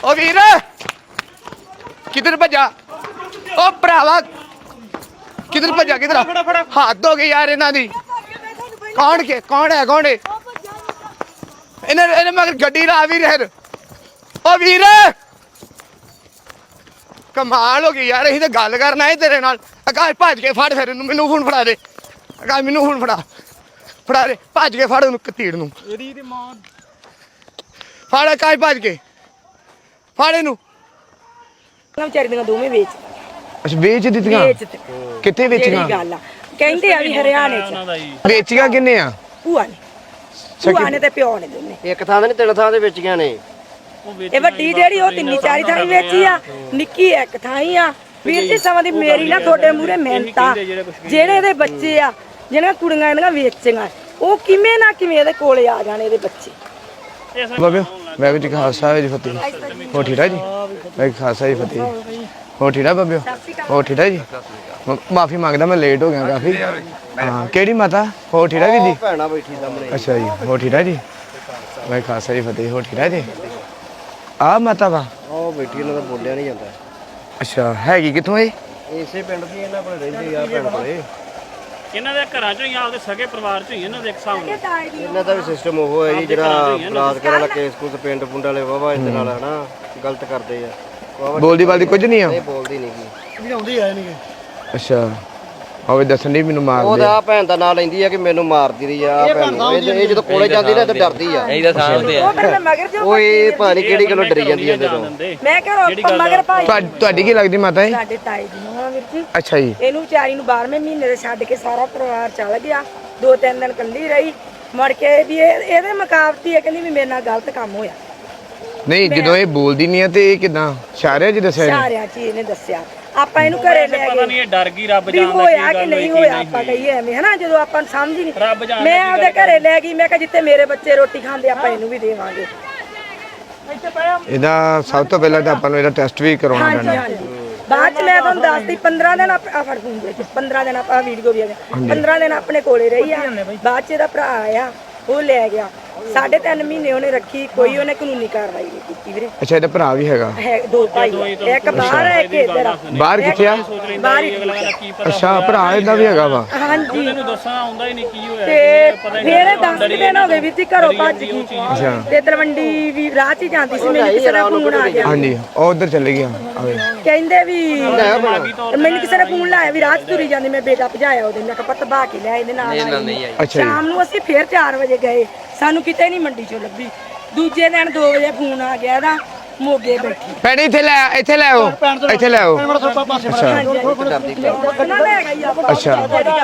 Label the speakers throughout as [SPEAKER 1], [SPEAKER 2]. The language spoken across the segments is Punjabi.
[SPEAKER 1] ओ वीर किधर भजा ओ भरावा किधर भजा किधर हाथ हो गए यार इन्हां दी कौन है इन्हें मगर गड्डी ला वीर ओ वीर कमाल हो गई यार असीं ते गल करना है तेरे नाल आकाश भज के फड़ फिर मैनू फोन फड़ा दे आकाश मैनू फोन फड़ा दे भज के फड़ ओनू कतीड़ नू फड़ आकाश भज के ਫੜ ਇਹਨੂੰ
[SPEAKER 2] ਵਿਚਾਰੀ ਦੀਆਂ ਦੋਵੇਂ ਵੇਚ
[SPEAKER 1] ਅੱਛਾ ਵੇਚ ਦਿੱਤੀਆਂ ਕਿੱਥੇ ਵੇਚੀਆਂ
[SPEAKER 2] ਗੱਲ ਆ ਕਹਿੰਦੇ ਆ ਵੀ ਹਰਿਆਣੇ ਚ
[SPEAKER 1] ਵੇਚੀਆਂ ਕਿੰਨੇ ਆ
[SPEAKER 2] ਭੂਆ ਨੇ ਤੇ ਪਿਓ ਨੇ ਦੋਨੇ
[SPEAKER 3] ਇੱਕ ਥਾਂ ਤੇ ਨਹੀਂ ਤਿੰਨ ਥਾਂ ਤੇ ਵੇਚੀਆਂ ਨੇ
[SPEAKER 2] ਇਹ ਵੱਡੀ ਜਿਹੜੀ ਉਹ ਤਿੰਨੀ ਚਾਰੀ ਥਾਂ ਵੇਚੀ ਆ ਨਿੱਕੀ ਇੱਕ ਥਾਂ ਹੀ ਆ ਵੀਰ ਜੀ ਸਮਾਂ ਦੀ ਮੇਰੀ ਨਾ ਤੁਹਾਡੇ ਮੂਹਰੇ ਮਿਹਨਤਾਂ ਜਿਹੜੇ ਇਹਦੇ ਬੱਚੇ ਆ ਜਿਹੜੀਆਂ ਕੁੜੀਆਂ ਇਹਦੀਆਂ ਵੇਚੀਆਂ ਉਹ ਕਿਵੇਂ ਨਾ ਕਿਵੇਂ ਇਹਦੇ ਕੋਲੇ ਆ ਜਾਣੇ ਇਹਦੇ ਬੱਚੇ
[SPEAKER 1] ਬਾਬਿਓ ਵਾਹਿਗੁਰੂ ਜੀ ਕਾ ਖਾਲਸਾ ਜੀ ਫਤਿਹ ਹੋ ਠੀਕ ਹੈ ਜੀ ਵਾਹਿਗੁਰੂ ਖਾਲਸਾ ਜੀ ਫਤਿਹ ਹੋ ਠੀਕ ਹੈ ਬਾਬਿਓ ਹੋ ਠੀਕ ਹੈ ਜੀ ਮਾਫੀ ਮੰਗਦਾ ਮੈਂ ਲੇਟ ਹੋ ਗਿਆ ਕਾਫੀ ਹਾਂ ਕਿਹੜੀ ਮਾਤਾ ਹੋ ਠੀਕ ਹੈ ਵੀਰ ਜੀ
[SPEAKER 3] ਭੈਣਾ ਬੈਠੀ ਸਾਹਮਣੇ
[SPEAKER 1] ਅੱਛਾ ਜੀ ਹੋ ਠੀਕ ਹੈ ਜੀ ਵਾਹਿਗੁਰੂ ਖਾਲਸਾ ਜੀ ਫਤਿਹ ਹੋ ਠੀਕ ਹੈ ਜੀ ਆ ਮਾਤਾ ਵਾ
[SPEAKER 3] ਉਹ ਬੈਠੀ ਇਹਨਾਂ ਦਾ ਬੋਲਿਆ ਨਹੀਂ ਜਾਂਦਾ
[SPEAKER 1] ਅੱਛਾ ਹੈਗੀ ਕਿੱਥੋਂ ਇਹ
[SPEAKER 3] ਇਸੇ ਪਿੰਡ ਦੀ ਇਹਨਾਂ ਕੋਲ ਰਹਿੰਦੀ ਆ ਭੈਣ ਕੋਲੇ
[SPEAKER 4] ਇਹਨਾਂ ਦੇ ਘਰਾਂ ਚੋਂ ਹੀ ਆਪਦੇ ਸਗੇ ਪਰਿਵਾਰ ਚੋਂ ਹੀ ਇਹਨਾਂ ਦੇ ਇੱਕ ਹਿਸਾਬ ਨਾਲ
[SPEAKER 3] ਇਹਨਾਂ ਦਾ ਵੀ ਸਿਸਟਮ ਉਹ ਹੈ ਜੀ ਜਿਹੜਾ ਬਲਾਤਕਾਰ ਵਾਲਾ ਕੇਸ ਕੁਝ ਪਿੰਡ ਪੁੰਡ ਵਾਲੇ ਵਾਵਾ ਇਹਦੇ ਨਾਲ ਹਨਾ ਗਲਤ ਕਰਦੇ ਆ
[SPEAKER 1] ਬੋਲਦੀ ਬਾਲਦੀ ਕੁਝ ਨਹੀਂ ਆ
[SPEAKER 3] ਇਹ ਬੋਲਦੀ ਨਹੀਂ ਜੀ
[SPEAKER 4] ਸਮਝਾਉਂਦੀ ਆਏ ਨਹੀਂ
[SPEAKER 1] ਅੱਛਾ ਹੋਵੇ ਦੱਸਣ ਨਹੀਂ ਮੈਨੂੰ ਮਾਰ
[SPEAKER 3] ਉਹਦਾ ਆ ਭੈਣ ਦਾ ਨਾਂ ਲੈਂਦੀ ਆ ਕਿ ਮੈਨੂੰ ਮਾਰਦੀ ਰਹੀ ਆ ਭੈਣ ਇਹ ਜਦੋਂ ਕੋਲੇ ਜਾਂਦੀ ਨਾ ਤੇ ਡਰਦੀ ਆ
[SPEAKER 2] ਉਹ ਫਿਰ ਮੈਂ ਮਗਰ ਜੋ
[SPEAKER 3] ਉਹ ਇਹ ਭਾਣੀ ਕਿਹੜੀ ਗੱਲੋਂ ਡਰੀ ਜਾਂਦੀ ਆ ਜਦੋਂ
[SPEAKER 2] ਮੈਂ ਕਿਹਾ ਮਗਰ ਭਾਈ
[SPEAKER 1] ਤੁਹਾਡੀ ਕੀ ਲੱਗਦੀ ਮਾਤਾ ਇਹ
[SPEAKER 2] ਸਾਡੇ ਤਾਏ ਦੀ ਨੂੰ ਆ ਵੀਰ ਜੀ
[SPEAKER 1] ਅੱਛਾ ਜੀ
[SPEAKER 2] ਇਹਨੂੰ ਵਿਚਾਰੀ ਨੂੰ 12ਵੇਂ ਮਹੀਨੇ ਦੇ ਛੱਡ ਕੇ ਸਾਰਾ ਪਰਿਵਾਰ ਚਲ ਗਿਆ 2-3 ਦਿਨ ਇਕੱਲੀ ਰਹੀ ਮੁੜ ਕੇ ਵੀ ਇਹਦੇ ਮੁਕਾਬਤੀ ਇਹ ਕਹਿੰਦੀ ਵੀ ਮੇਰੇ ਨਾਲ ਗਲਤ ਕੰਮ ਹੋਇਆ
[SPEAKER 1] ਨਹੀਂ ਜਦੋਂ ਇਹ ਬੋਲਦੀ ਨਹੀਂ ਆ ਤੇ ਇਹ ਕਿਦਾਂ ਇਸ਼ਾਰਿਆਂ 'ਚ ਦੱਸਿਆ ਇਹਨੇ?
[SPEAKER 2] ਸਾਰਿਆਂ ਚ ਇਹਨੇ ਦੱਸਿਆ ਆਪਾਂ ਇਹਨੂੰ ਘਰੇ ਲੈ
[SPEAKER 4] ਪਤਾ ਨਹੀਂ
[SPEAKER 2] ਗਏ
[SPEAKER 4] ਇਹ ਡਰ ਗਈ ਰੱਬ
[SPEAKER 2] ਵੀ
[SPEAKER 4] ਜਾਣਦਾ
[SPEAKER 2] ਹੋਇਆ
[SPEAKER 4] ਕੀ
[SPEAKER 2] ਕਿ
[SPEAKER 4] ਗੱਲ
[SPEAKER 2] ਨਹੀਂ
[SPEAKER 4] ਹੋਈ
[SPEAKER 2] ਹੋਇਆ ਆਪਾਂ ਕਹੀਏ ਐਵੇਂ ਹਨਾ ਜਦੋਂ ਆਪਾਂ ਨੂੰ ਸਮਝ ਹੀ
[SPEAKER 4] ਰੱਬ
[SPEAKER 2] ਨਹੀਂ
[SPEAKER 4] ਜਾਣਦਾ
[SPEAKER 2] ਮੈਂ ਆਪਦੇ ਘਰੇ ਲੈ ਗਈ ਮੈਂ ਕਿਹਾ ਜਿੱਥੇ ਮੇਰੇ ਬੱਚੇ ਰੋਟੀ ਖਾਂਦੇ ਆਪਾਂ ਇਹਨੂੰ ਵੀ ਦੇਵਾਂਗੇ
[SPEAKER 1] ਇਹਦਾ ਸਭ ਤੋਂ ਪਹਿਲਾਂ ਤਾਂ ਆਪਾਂ ਨੂੰ ਇਹਦਾ ਟੈਸਟ ਵੀ ਕਰਾਉਣਾ
[SPEAKER 2] ਹਾਂਜੀ
[SPEAKER 1] ਪੈਣਾ
[SPEAKER 2] ਹਾਂਜੀ ਬਾਅਦ ਚ ਮੈਂ ਤੁਹਾਨੂੰ ਦੱਸਦੀ 15 ਦਿਨ ਆ ਫੜ ਫੋਨ ਦੇ 15 ਦਿਨ ਆਪਾਂ ਵੀਡੀਓ ਵੀ ਆ ਗਏ 15 ਦਿਨ ਆਪਣੇ ਕੋਲੇ ਰਹੀ ਆ ਬਾਅਦ ਚ ਇਹਦਾ ਭਰਾ ਆਇਆ ਉਹ ਲੈ ਗਿਆ 3.5 ਮਹੀਨੇ ਉਹਨੇ ਰੱਖੀ ਕੋਈ ਉਹਨੇ ਕਾਨੂੰਨੀ ਕਾਰਵਾਈ ਨਹੀਂ ਕੀਤੀ ਵੀਰੇ
[SPEAKER 1] ਅੱਛਾ ਇਹਦਾ ਭਰਾ ਵੀ ਹੈਗਾ
[SPEAKER 2] ਹੈ ਦੋ ਭਾਈ ਆ। ਇੱਕ ਬਾਹਰ ਹੈ ਇੱਕ ਇੱਧਰ ਆ
[SPEAKER 1] ਬਾਹਰ ਕਿੱਥੇ ਆ
[SPEAKER 2] ਬਾਹਰ ਹੀ
[SPEAKER 4] ਕੀ ਪਤਾ
[SPEAKER 1] ਅੱਛਾ ਭਰਾ ਇਹਦਾ ਵੀ ਹੈਗਾ ਵਾ
[SPEAKER 2] ਹਾਂਜੀ
[SPEAKER 4] ਇਹਨੂੰ ਦੱਸਣਾ ਆਉਂਦਾ ਹੀ ਨਹੀਂ ਕੀ ਹੋਇਆ
[SPEAKER 2] ਤੇ ਫਿਰ 10 ਦਿਨ ਹੋ ਗਏ ਵੀ ਤੀ ਘਰੋਂ ਭੱਜ ਗਈ
[SPEAKER 1] ਅੱਛਾ
[SPEAKER 2] ਤੇ ਤਲਵੰਡੀ ਵੀ ਰਾਹ 'ਚ ਹੀ ਜਾਂਦੀ ਸੀ ਮੈਨੂੰ ਕਿਸੇ ਦਾ ਫੋਨ ਆ ਗਿਆ
[SPEAKER 1] ਹਾਂਜੀ ਉਹ ਉਧਰ ਚਲੇ ਗਿਆ ਆਵੇ
[SPEAKER 2] ਕਹਿੰਦੇ ਵੀ ਮੈਨੂੰ ਕਿਸੇ ਨੇ ਫੋਨ ਲਾਇਆ ਵੀ ਰਾਹ 'ਚ ਤੁਰੀ ਜਾਂਦੀ ਮੈਂ ਬੇਟਾ ਭਜਾਇਆ ਉਹਦੇ ਮੈਂ ਕਿਹਾ ਪੱਤ ਬਾ ਕੇ ਲਿਆ ਇਹਦੇ ਨਾਲ
[SPEAKER 1] ਅੱਛਾ ਜੀ
[SPEAKER 2] ਸ਼ਾਮ ਨੂੰ ਅਸੀਂ ਫਿਰ 4 ਵਜੇ ਗਏ ਸਾਨੂੰ ਕਿਤੇ ਨਹੀਂ ਮੰਡੀ 'ਚੋਂ ਲੱਭੀ ਦੂਜੇ ਦਿਨ 2 ਵਜੇ ਫੋਨ ਆ ਗਿਆ ਇਹਦਾ ਮੋਗੇ ਬੈਠੀ
[SPEAKER 1] ਭੈਣੇ ਇੱਥੇ ਲੈ ਆਓ ਇੱਥੇ ਲੈ ਆਓ ਅੱਛਾ
[SPEAKER 2] ਉਹਨਾਂ ਲੈ ਗਈ ਆ
[SPEAKER 1] ਅੱਛਾ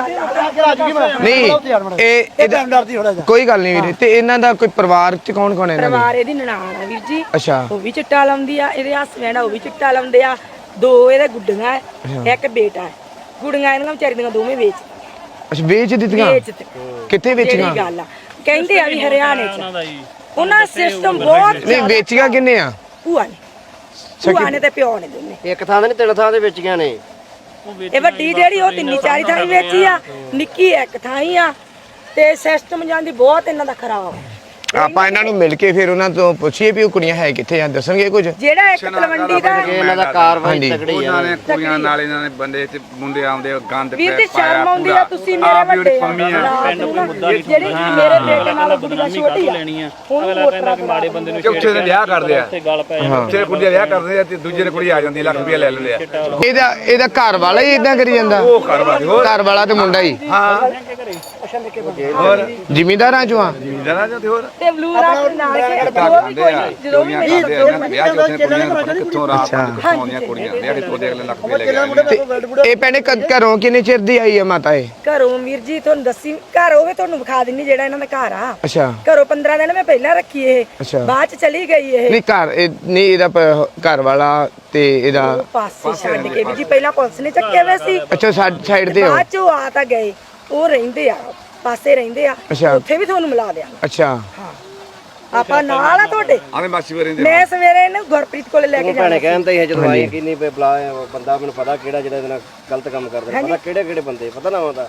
[SPEAKER 1] ਨਹੀਂ ਇਹ ਇਹਦਾ ਕੋਈ ਗੱਲ ਨਹੀਂ ਵੀਰੇ ਤੇ ਇਹਨਾਂ ਦਾ ਕੋਈ ਪਰਿਵਾਰ ਚ ਕੌਣ ਕੌਣ ਹੈ ਇਹਨਾਂ
[SPEAKER 2] ਪਰਿਵਾਰ ਇਹਦੀ ਨਨਾਣ ਆ ਵੀਰ ਜੀ
[SPEAKER 1] ਦੇ ਅੱਛਾ
[SPEAKER 2] ਉਹ ਵੀ ਚਿੱਟਾ ਲਾਉਂਦੀ ਆ ਇਹਦੇ ਹਸਬੈਂਡ ਉਹ ਵੀ ਚਿੱਟਾ ਲਾਉਂਦੇ ਆ 2 ਇਹਦੇ ਗੁੱਡੀਆਂ ਹੈ ਇੱਕ ਬੇਟਾ ਹੈ ਗੁੱਡੀਆਂ ਇਹਨਾਂ ਵਿਚਾਰੀ ਦੀਆਂ ਦੋਵੇਂ ਵੇਚ
[SPEAKER 1] ਅੱਛਾ ਵੇਚ ਦਿੱਤੀਆਂ ਕਿੱਥੇ
[SPEAKER 2] ਜਿਹੜੀ
[SPEAKER 1] ਵੇਚੀਆਂ
[SPEAKER 2] ਗੱਲ ਆ ਕਹਿੰਦੇ ਆ ਵੀ ਹਰਿਆਣੇ
[SPEAKER 4] ਉਹਨਾਂ ਦਾ
[SPEAKER 2] ਚ
[SPEAKER 4] ਜੀ
[SPEAKER 2] ਉਹਨਾਂ ਦਾ ਸਿਸਟਮ ਬਹੁਤ
[SPEAKER 1] ਨਹੀਂ ਵੇਚੀਆਂ ਕਿੰਨੇ ਆ
[SPEAKER 2] ਭੂਆ ਨੇ ਤੇ ਪਿਓ ਨੇ ਦੋਨੇ
[SPEAKER 3] ਇੱਕ ਥਾਂ ਤੇ ਨਹੀਂ ਤਿੰਨ ਥਾਂ ਤੇ ਵੇਚੀਆਂ ਨੇ
[SPEAKER 2] ਇਹ ਵੱਡੀ ਜਿਹੜੀ ਉਹ ਤਿੰਨੀ ਚਾਰੀ ਥਾਂ ਵੇਚੀ ਆ ਨਿੱਕੀ ਇੱਕ ਥਾਂ ਹੀ ਆ ਤੇ ਸਿਸਟਮ ਜਾਂਦੀ ਬਹੁਤ ਇਹਨਾਂ ਦਾ ਖਰਾਬ
[SPEAKER 1] ਆਪਾਂ ਇਹਨਾਂ ਨੂੰ ਮਿਲ ਕੇ ਫਿਰ ਉਹਨਾਂ ਤੋਂ ਪੁੱਛੀਏ ਵੀ ਉਹ ਕੁੜੀਆਂ ਹੈ ਕਿੱਥੇ ਆ ਦੱਸਣਗੇ ਕੁਝ
[SPEAKER 2] ਜਿਹੜਾ ਇੱਕ ਤਲਵੰਡੀ ਦਾ
[SPEAKER 3] ਇਹਨਾਂ ਦਾ ਕਾਰਵਾਈ ਤਕੜੀ ਆ
[SPEAKER 5] ਉਹਨਾਂ ਨੇ ਕੁੜੀਆਂ ਨਾਲ ਇਹਨਾਂ ਨੇ ਬੰਦੇ ਤੇ ਮੁੰਡੇ ਆਉਂਦੇ ਗੰਦ
[SPEAKER 2] ਵੀਰ ਤੇ ਸ਼ਰਮ ਆਉਂਦੀ ਆ ਤੁਸੀਂ ਮੇਰੇ ਵੱਡੇ ਜਿਹੜੀ ਮੇਰੇ ਬੇਟੇ ਨਾਲ ਗੁੱਡੀਆਂ ਛੋਟੀ ਆ
[SPEAKER 4] ਲੈਣੀ ਆ ਅਗਲਾ ਕਹਿੰਦਾ ਕਿ ਮਾੜੇ ਬੰਦੇ ਨੂੰ
[SPEAKER 5] ਚੌਥੇ ਦੇ ਵਿਆਹ ਕਰਦੇ ਆ
[SPEAKER 4] ਤੇ ਗੱਲ ਪੈ ਜਾਂਦੀ
[SPEAKER 5] ਚੇ ਕੁੜੀ ਦਾ ਵਿਆਹ ਕਰਦੇ ਆ ਤੇ ਦੂਜੇ ਦੇ ਕੁੜੀ ਆ ਜਾਂਦੀ ਲੱਖ ਰੁਪਏ ਲੈ ਲੈਂਦੇ ਆ
[SPEAKER 1] ਇਹਦਾ ਘਰ ਵਾਲਾ ਹੀ ਇਦਾਂ ਕਰੀ ਜਾਂਦਾ
[SPEAKER 5] ਉਹ ਕਰਵਾ ਹੋਰ
[SPEAKER 1] ਘਰ ਵਾਲਾ ਤੇ ਮੁੰਡਾ ਹੀ
[SPEAKER 5] ਹਾਂ ਹੋਰ
[SPEAKER 1] ਜ਼ਿਮੀਂਦਾਰਾਂ ਚੋਂ ਆ
[SPEAKER 5] ਜਰਾ ਜਾਂ ਤੇ ਹੋਰ
[SPEAKER 2] ਤੇ ਬਲੂ ਰਾਤ ਨਾਲ ਕੇ
[SPEAKER 5] ਖਾਂਦੇ ਆ ਕੁੜੀਆਂ ਖਾਂਦੇ ਆ ਇਹਨਾਂ ਦੇ ਵਿਆਹ ਚ ਉੱਥੇ ਕੁੜੀਆਂ ਨੂੰ ਪਤਾ ਕਿੱਥੋਂ ਰਾਤ ਨੂੰ ਕਿੱਥੋਂ ਆਉਂਦੀਆਂ ਕੁੜੀਆਂ ਵਿਆਹ ਕਿੱਥੋਂ ਦੇ ਅਗਲੇ ਲੱਖ ਰੁਪਏ ਲੈ ਕੇ
[SPEAKER 1] ਇਹ ਭੈਣੇ ਘਰੋਂ ਕਿੰਨੇ ਚਿਰ ਦੀ ਆਈ ਆ ਮਾਤਾ ਇਹ
[SPEAKER 2] ਘਰੋਂ ਵੀਰ ਜੀ ਤੁਹਾਨੂੰ ਦੱਸੀ ਘਰ ਹੋਵੇ ਤੁਹਾਨੂੰ ਵਿਖਾ ਦਿੰਨੀ ਜਿਹੜਾ ਇਹਨਾਂ ਦਾ ਘਰ ਆ
[SPEAKER 1] ਅੱਛਾ
[SPEAKER 2] ਘਰੋਂ 15 ਦਿਨ ਮੈਂ ਪਹਿਲਾਂ ਰੱਖੀ ਇਹ
[SPEAKER 1] ਅੱਛਾ।
[SPEAKER 2] ਬਾਅਦ ਚ ਚਲੀ ਗਈ ਇਹ
[SPEAKER 1] ਨਹੀਂ ਘਰ ਨਹੀਂ ਇਹਦਾ ਘਰ ਵਾਲਾ ਤੇ ਇਹਦਾ
[SPEAKER 2] ਉਹ ਪਾਸੇ ਛੱਡ ਕੇ ਵੀ ਜੀ ਪਹਿਲਾਂ ਪੁਲਿਸ ਨੇ ਚੱਕੇ ਹੋਏ ਸੀ
[SPEAKER 1] ਅੱਛਾ ਸਾਈਡ ਤੇ ਹੋ
[SPEAKER 2] ਬਾਅਦ ਚ ਉਹ ਆ ਤਾਂ ਗਏ ਉਹ ਰਹਿੰਦੇ ਆ ਪਾਸੇ ਰਹਿੰਦੇ ਆ
[SPEAKER 1] ਅੱਛਾ।
[SPEAKER 2] ਉੱਥੇ ਵੀ ਤੁਹਾਨੂੰ ਮਿਲਾ ਦਿਆਂ
[SPEAKER 1] ਅੱਛਾ
[SPEAKER 2] ਆਪਾਂ ਨਾਲ ਆ ਤੁਹਾਡੇ
[SPEAKER 5] ਆਵੇਂ ਮਾਸੀ ਵਰੇ ਦੇ
[SPEAKER 2] ਮੈਂ ਸਵੇਰੇ ਇਹਨੂੰ ਗੁਰਪ੍ਰੀਤ ਕੋਲੇ ਲੈ ਕੇ ਜਾਣਾ
[SPEAKER 3] ਭੈਣੇ ਕਹਿੰਦੇ ਸੀ ਜਦੋਂ ਆਈ ਕਿ ਨਹੀਂ ਬਲਾ ਬੰਦਾ ਮੈਨੂੰ ਪਤਾ ਕਿਹੜਾ ਜਿਹੜਾ ਇਹਦੇ ਨਾਲ ਗਲਤ ਕੰਮ ਕਰਦਾ ਪਤਾ ਕਿਹੜੇ ਕਿਹੜੇ ਬੰਦੇ ਪਤਾ ਨਾ ਹੁੰਦਾ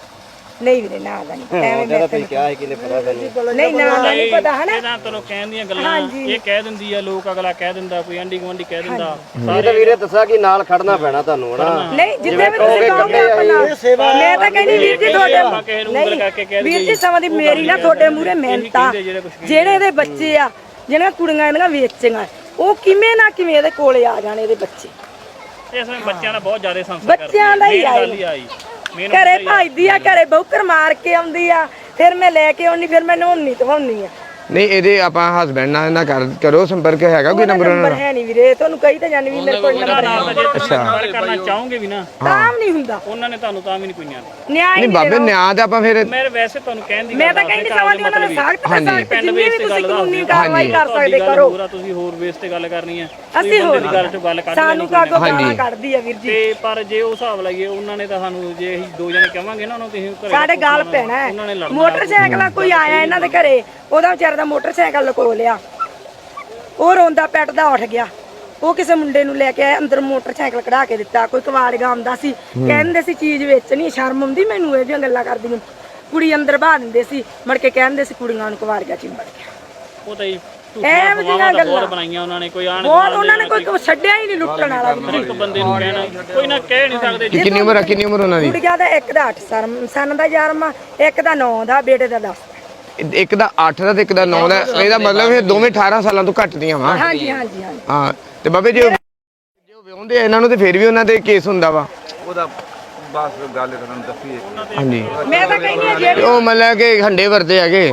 [SPEAKER 2] ਨਹੀਂ ਵੀਰੇ ਨਾ ਦਾ ਨਹੀਂ ਐਵੇਂ
[SPEAKER 3] ਜਿਹੜਾ ਤੁਸੀਂ ਕਿਹਾ ਸੀ ਕਿਨੇ ਪਤਾ ਤੁਹਾਨੂੰ
[SPEAKER 2] ਨਹੀਂ ਨਾ ਦਾ ਨਹੀਂ ਪਤਾ ਹਨਾ
[SPEAKER 4] ਇਹ ਤਾਂ ਤੈਨੂੰ ਕਹਿਣ ਦੀਆਂ ਗੱਲਾਂ ਇਹ ਕਹਿ ਦਿੰਦੀ ਆ ਲੋਕ ਅਗਲਾ ਕਹਿ ਦਿੰਦਾ ਕੋਈ ਆਂਢੀ ਗੁਆਂਢੀ ਕਹਿ ਦਿੰਦਾ
[SPEAKER 3] ਇਹ ਤਾਂ ਵੀਰੇ ਦੱਸਿਆ ਕਿ ਨਾਲ ਖੜਨਾ ਪੈਣਾ ਤੁਹਾਨੂੰ ਹਨਾ
[SPEAKER 2] ਨਹੀਂ ਜਿੱਥੇ ਵੀ ਤੁਸੀਂ ਕਹੋਗੇ ਆਪਣਾ ਮੈਂ ਤਾਂ ਕਹਿੰਦੀ ਵੀਰ ਜੀ ਤੁਹਾਡੇ ਨਹੀਂ ਵੀਰ ਜੀ ਸਮਾਂ ਦੀ ਮੇਰੀ ਨਾ ਤੁਹਾਡੇ ਮੂਹਰੇ ਮਿਹਨਤਾਂ ਜਿਹੜੇ ਇਹਦੇ ਬੱਚੇ ਆ ਜਿਹੜੀਆਂ ਕੁੜੀਆਂ ਇਹਦੀਆਂ ਵੇਚੀਆਂ ਉਹ ਕਿਵੇਂ ਨਾ ਕਿਵੇਂ ਇਹਦੇ ਕੋਲੇ ਆ ਜਾਣ ਇਹਦੇ ਬੱਚੇ
[SPEAKER 4] ਇਸ ਵੇਲੇ ਬੱਚਿਆਂ ਦਾ ਬਹੁਤ ਜ਼ਿਆਦਾ ਸੰਸਕਾਰ
[SPEAKER 2] ਬੱਚਿਆਂ ਦਾ ਹੀ ਆਈ ਘਰੇ ਭਜਦੀ ਆ ਘਰੇ ਬੌਕਰ ਮਾਰ ਕੇ ਆਉਂਦੀ ਆ ਫਿਰ ਮੈਂ ਲੈ ਕੇ ਆਉਣੀ ਫਿਰ ਮੈਂ ਨਹਾਉਣੀ ਧਵਾਉਣੀ ਆ
[SPEAKER 1] ਨਹੀਂ ਇਹਦੇ ਆਪਾਂ ਹਸਬੈਂਡ ਨਾਲ ਨਾ ਕਰੋ ਸੰਪਰਕ ਹੈਗਾ ਕੋਈ ਨੰਬਰ ਉਹਨਾਂ
[SPEAKER 2] ਨੰਬਰ ਹੈ ਨਹੀਂ ਵੀਰੇ ਤੁਹਾਨੂੰ ਕਹੀ ਤਾਂ ਜਾਣੀ ਵੀ ਮੇਰੇ ਕੋਲ ਨੰਬਰ ਹੈ
[SPEAKER 4] ਗੱਲ ਕਰਨਾ ਚਾਹੋਗੇ ਵੀ ਨਾ
[SPEAKER 2] ਤਾਂ ਨਹੀਂ ਹੁੰਦਾ
[SPEAKER 4] ਉਹਨਾਂ ਨੇ ਤੁਹਾਨੂੰ ਤਾਂ ਵੀ ਨਹੀਂ ਕੋਈ ਨਿਆਂ
[SPEAKER 2] ਨਿਆਂ
[SPEAKER 1] ਨਹੀਂ ਬਾਬੇ ਨਿਆਂ ਤੇ ਆਪਾਂ ਫਿਰ
[SPEAKER 4] ਮੈਂ ਵੈਸੇ ਤੁਹਾਨੂੰ ਕਹਿਣ ਦੀ
[SPEAKER 2] ਮੈਂ ਤਾਂ ਕਹਿੰਦੀ ਸਮਾਂ ਦੀ ਉਹਨਾਂ ਨੂੰ ਸਖਤ
[SPEAKER 1] ਹਾਂਜੀ
[SPEAKER 4] ਪਿੰਡ ਵੇਸ ਤੇ ਗੱਲ
[SPEAKER 2] ਕਾਨੂੰਨੀ ਕਾਰਵਾਈ ਕਰ ਸਕਦੇ ਕਰੋ
[SPEAKER 4] ਪੂਰਾ ਤੁਸੀਂ ਹੋਰ ਵੇਸ ਤੇ ਗੱਲ ਕਰਨੀ ਆ
[SPEAKER 2] ਅਸੀਂ ਹੋਰ
[SPEAKER 4] ਗੱਲ ਚੋਂ ਗੱਲ ਕੱਢ
[SPEAKER 2] ਸਾਨੂੰ ਕਾਗੋ ਗਾਲਾਂ ਕੱਢਦੀ ਆ ਵੀਰ ਜੀ
[SPEAKER 4] ਤੇ ਪਰ ਜੇ ਉਹ ਹਿਸਾਬ ਲਾਈਏ ਉਹਨਾਂ ਨੇ ਤਾਂ ਸਾਨੂੰ ਜੇ ਅਸੀਂ ਦੋ ਜਣੇ ਕਵਾਂਗੇ ਨਾ ਉਹਨਾਂ ਨੂੰ ਤੁਸੀਂ ਘਰੇ
[SPEAKER 2] ਸਾਡੇ ਗੱਲ ਪੈਣਾ ਹੈ ਮੋਟਰਸਾਈਕਲ ਕੋਈ ਆਇਆ ਇਹਨਾਂ ਦੇ ਘਰੇ ਉਹਦਾ ਵਿਚਾਰੇ ਦਾ ਮੋਟਰਸਾਈਕਲ ਲਕੋ ਲਿਆ ਉਹ ਰੋਂਦਾ ਪੈਟਦਾ ਉੱਠ ਗਿਆ ਉਹ ਕਿਸੇ ਮੁੰਡੇ ਨੂੰ ਲੈ ਕੇ ਆਇਆ ਅੰਦਰ ਮੋਟਰਸਾਈਕਲ ਕਢਾ ਕੇ ਦਿੱਤਾ ਕੋਈ ਕਵਾੜਗਾ ਆਉਂਦਾ ਸੀ ਕਹਿੰਦੇ ਸੀ ਚੀਜ਼ ਵੇਚਣੀ ਸ਼ਰਮ ਆਉਂਦੀ ਮੈਨੂੰ ਇਹ ਜਿਹੀਆਂ ਗੱਲਾਂ ਕਰਦੀ ਨੂੰ ਕੁੜੀ ਅੰਦਰ ਬਾਹ ਦਿੰਦੇ ਸੀ ਮੜ ਕੇ ਕਹਿੰਦੇ ਸੀ ਕੁੜੀਆਂ ਨੂੰ ਕਵਾੜਗਾ ਚਿੰਬੜ ਗਿਆ
[SPEAKER 4] ਉਹ ਤਾਂ
[SPEAKER 2] ਐਵੇਂ ਦੀਆਂ ਗੱਲਾਂ
[SPEAKER 4] ਬਹੁਤ ਬਣਾਈਆਂ ਉਹਨਾਂ ਨੇ ਕੋਈ ਆਣ
[SPEAKER 2] ਬਹੁਤ ਉਹਨਾਂ ਨੇ ਕੋਈ ਛੱਡਿਆ ਹੀ ਨਹੀਂ ਲੁੱਟਣ ਵਾਲਾ
[SPEAKER 4] ਇੱਕ ਬੰਦੇ ਨੂੰ ਕਹਿਣਾ ਕੋਈ ਨਾ ਕਹਿ ਨਹੀਂ ਸਕਦੇ
[SPEAKER 1] ਕਿੰਨੀ ਉਮਰ ਆ ਕਿੰਨੀ ਉਮਰ ਉਹਨਾਂ ਦੀ
[SPEAKER 2] ਕੁੜੀਆਂ ਦਾ ਇੱਕ ਦਾ 8 ਸਨ ਦਾ 11ਵਾਂ ਇੱਕ ਦਾ 9 ਦਾ ਬੇਟੇ ਦਾ 10
[SPEAKER 1] ਇੱਕ ਦਾ 8 ਦਾ ਤੇ ਇੱਕ ਦਾ 9 ਦਾ ਇਹਦਾ ਮਤਲਬ ਇਹ ਦੋਵੇਂ 18 ਸਾਲਾਂ ਤੋਂ ਘੱਟ ਦੀਆਂ ਵਾ
[SPEAKER 2] ਹਾਂਜੀ ਹਾਂਜੀ ਹਾਂਜੀ
[SPEAKER 1] ਹਾਂ ਤੇ ਬਾਬੇ ਜੇ ਵਿਆਹੁੰਦੇ ਆ ਇਹਨਾਂ ਨੂੰ ਤੇ ਫਿਰ ਵੀ ਉਹਨਾਂ ਤੇ ਕੇਸ ਹੁੰਦਾ ਵਾ
[SPEAKER 5] ਉਹਦਾ ਬਸ ਗੱਲ ਤੁਹਾਨੂੰ ਦੱਸੀ
[SPEAKER 1] ਹਾਂਜੀ
[SPEAKER 2] ਮੈਂ ਤਾਂ ਕਹਿੰਦੀ ਆ ਜਿਹੜੀ
[SPEAKER 1] ਉਹ ਮਤਲਬ ਕਿ ਹੰਡੇ ਵਰਤੇ ਹੈਗੇ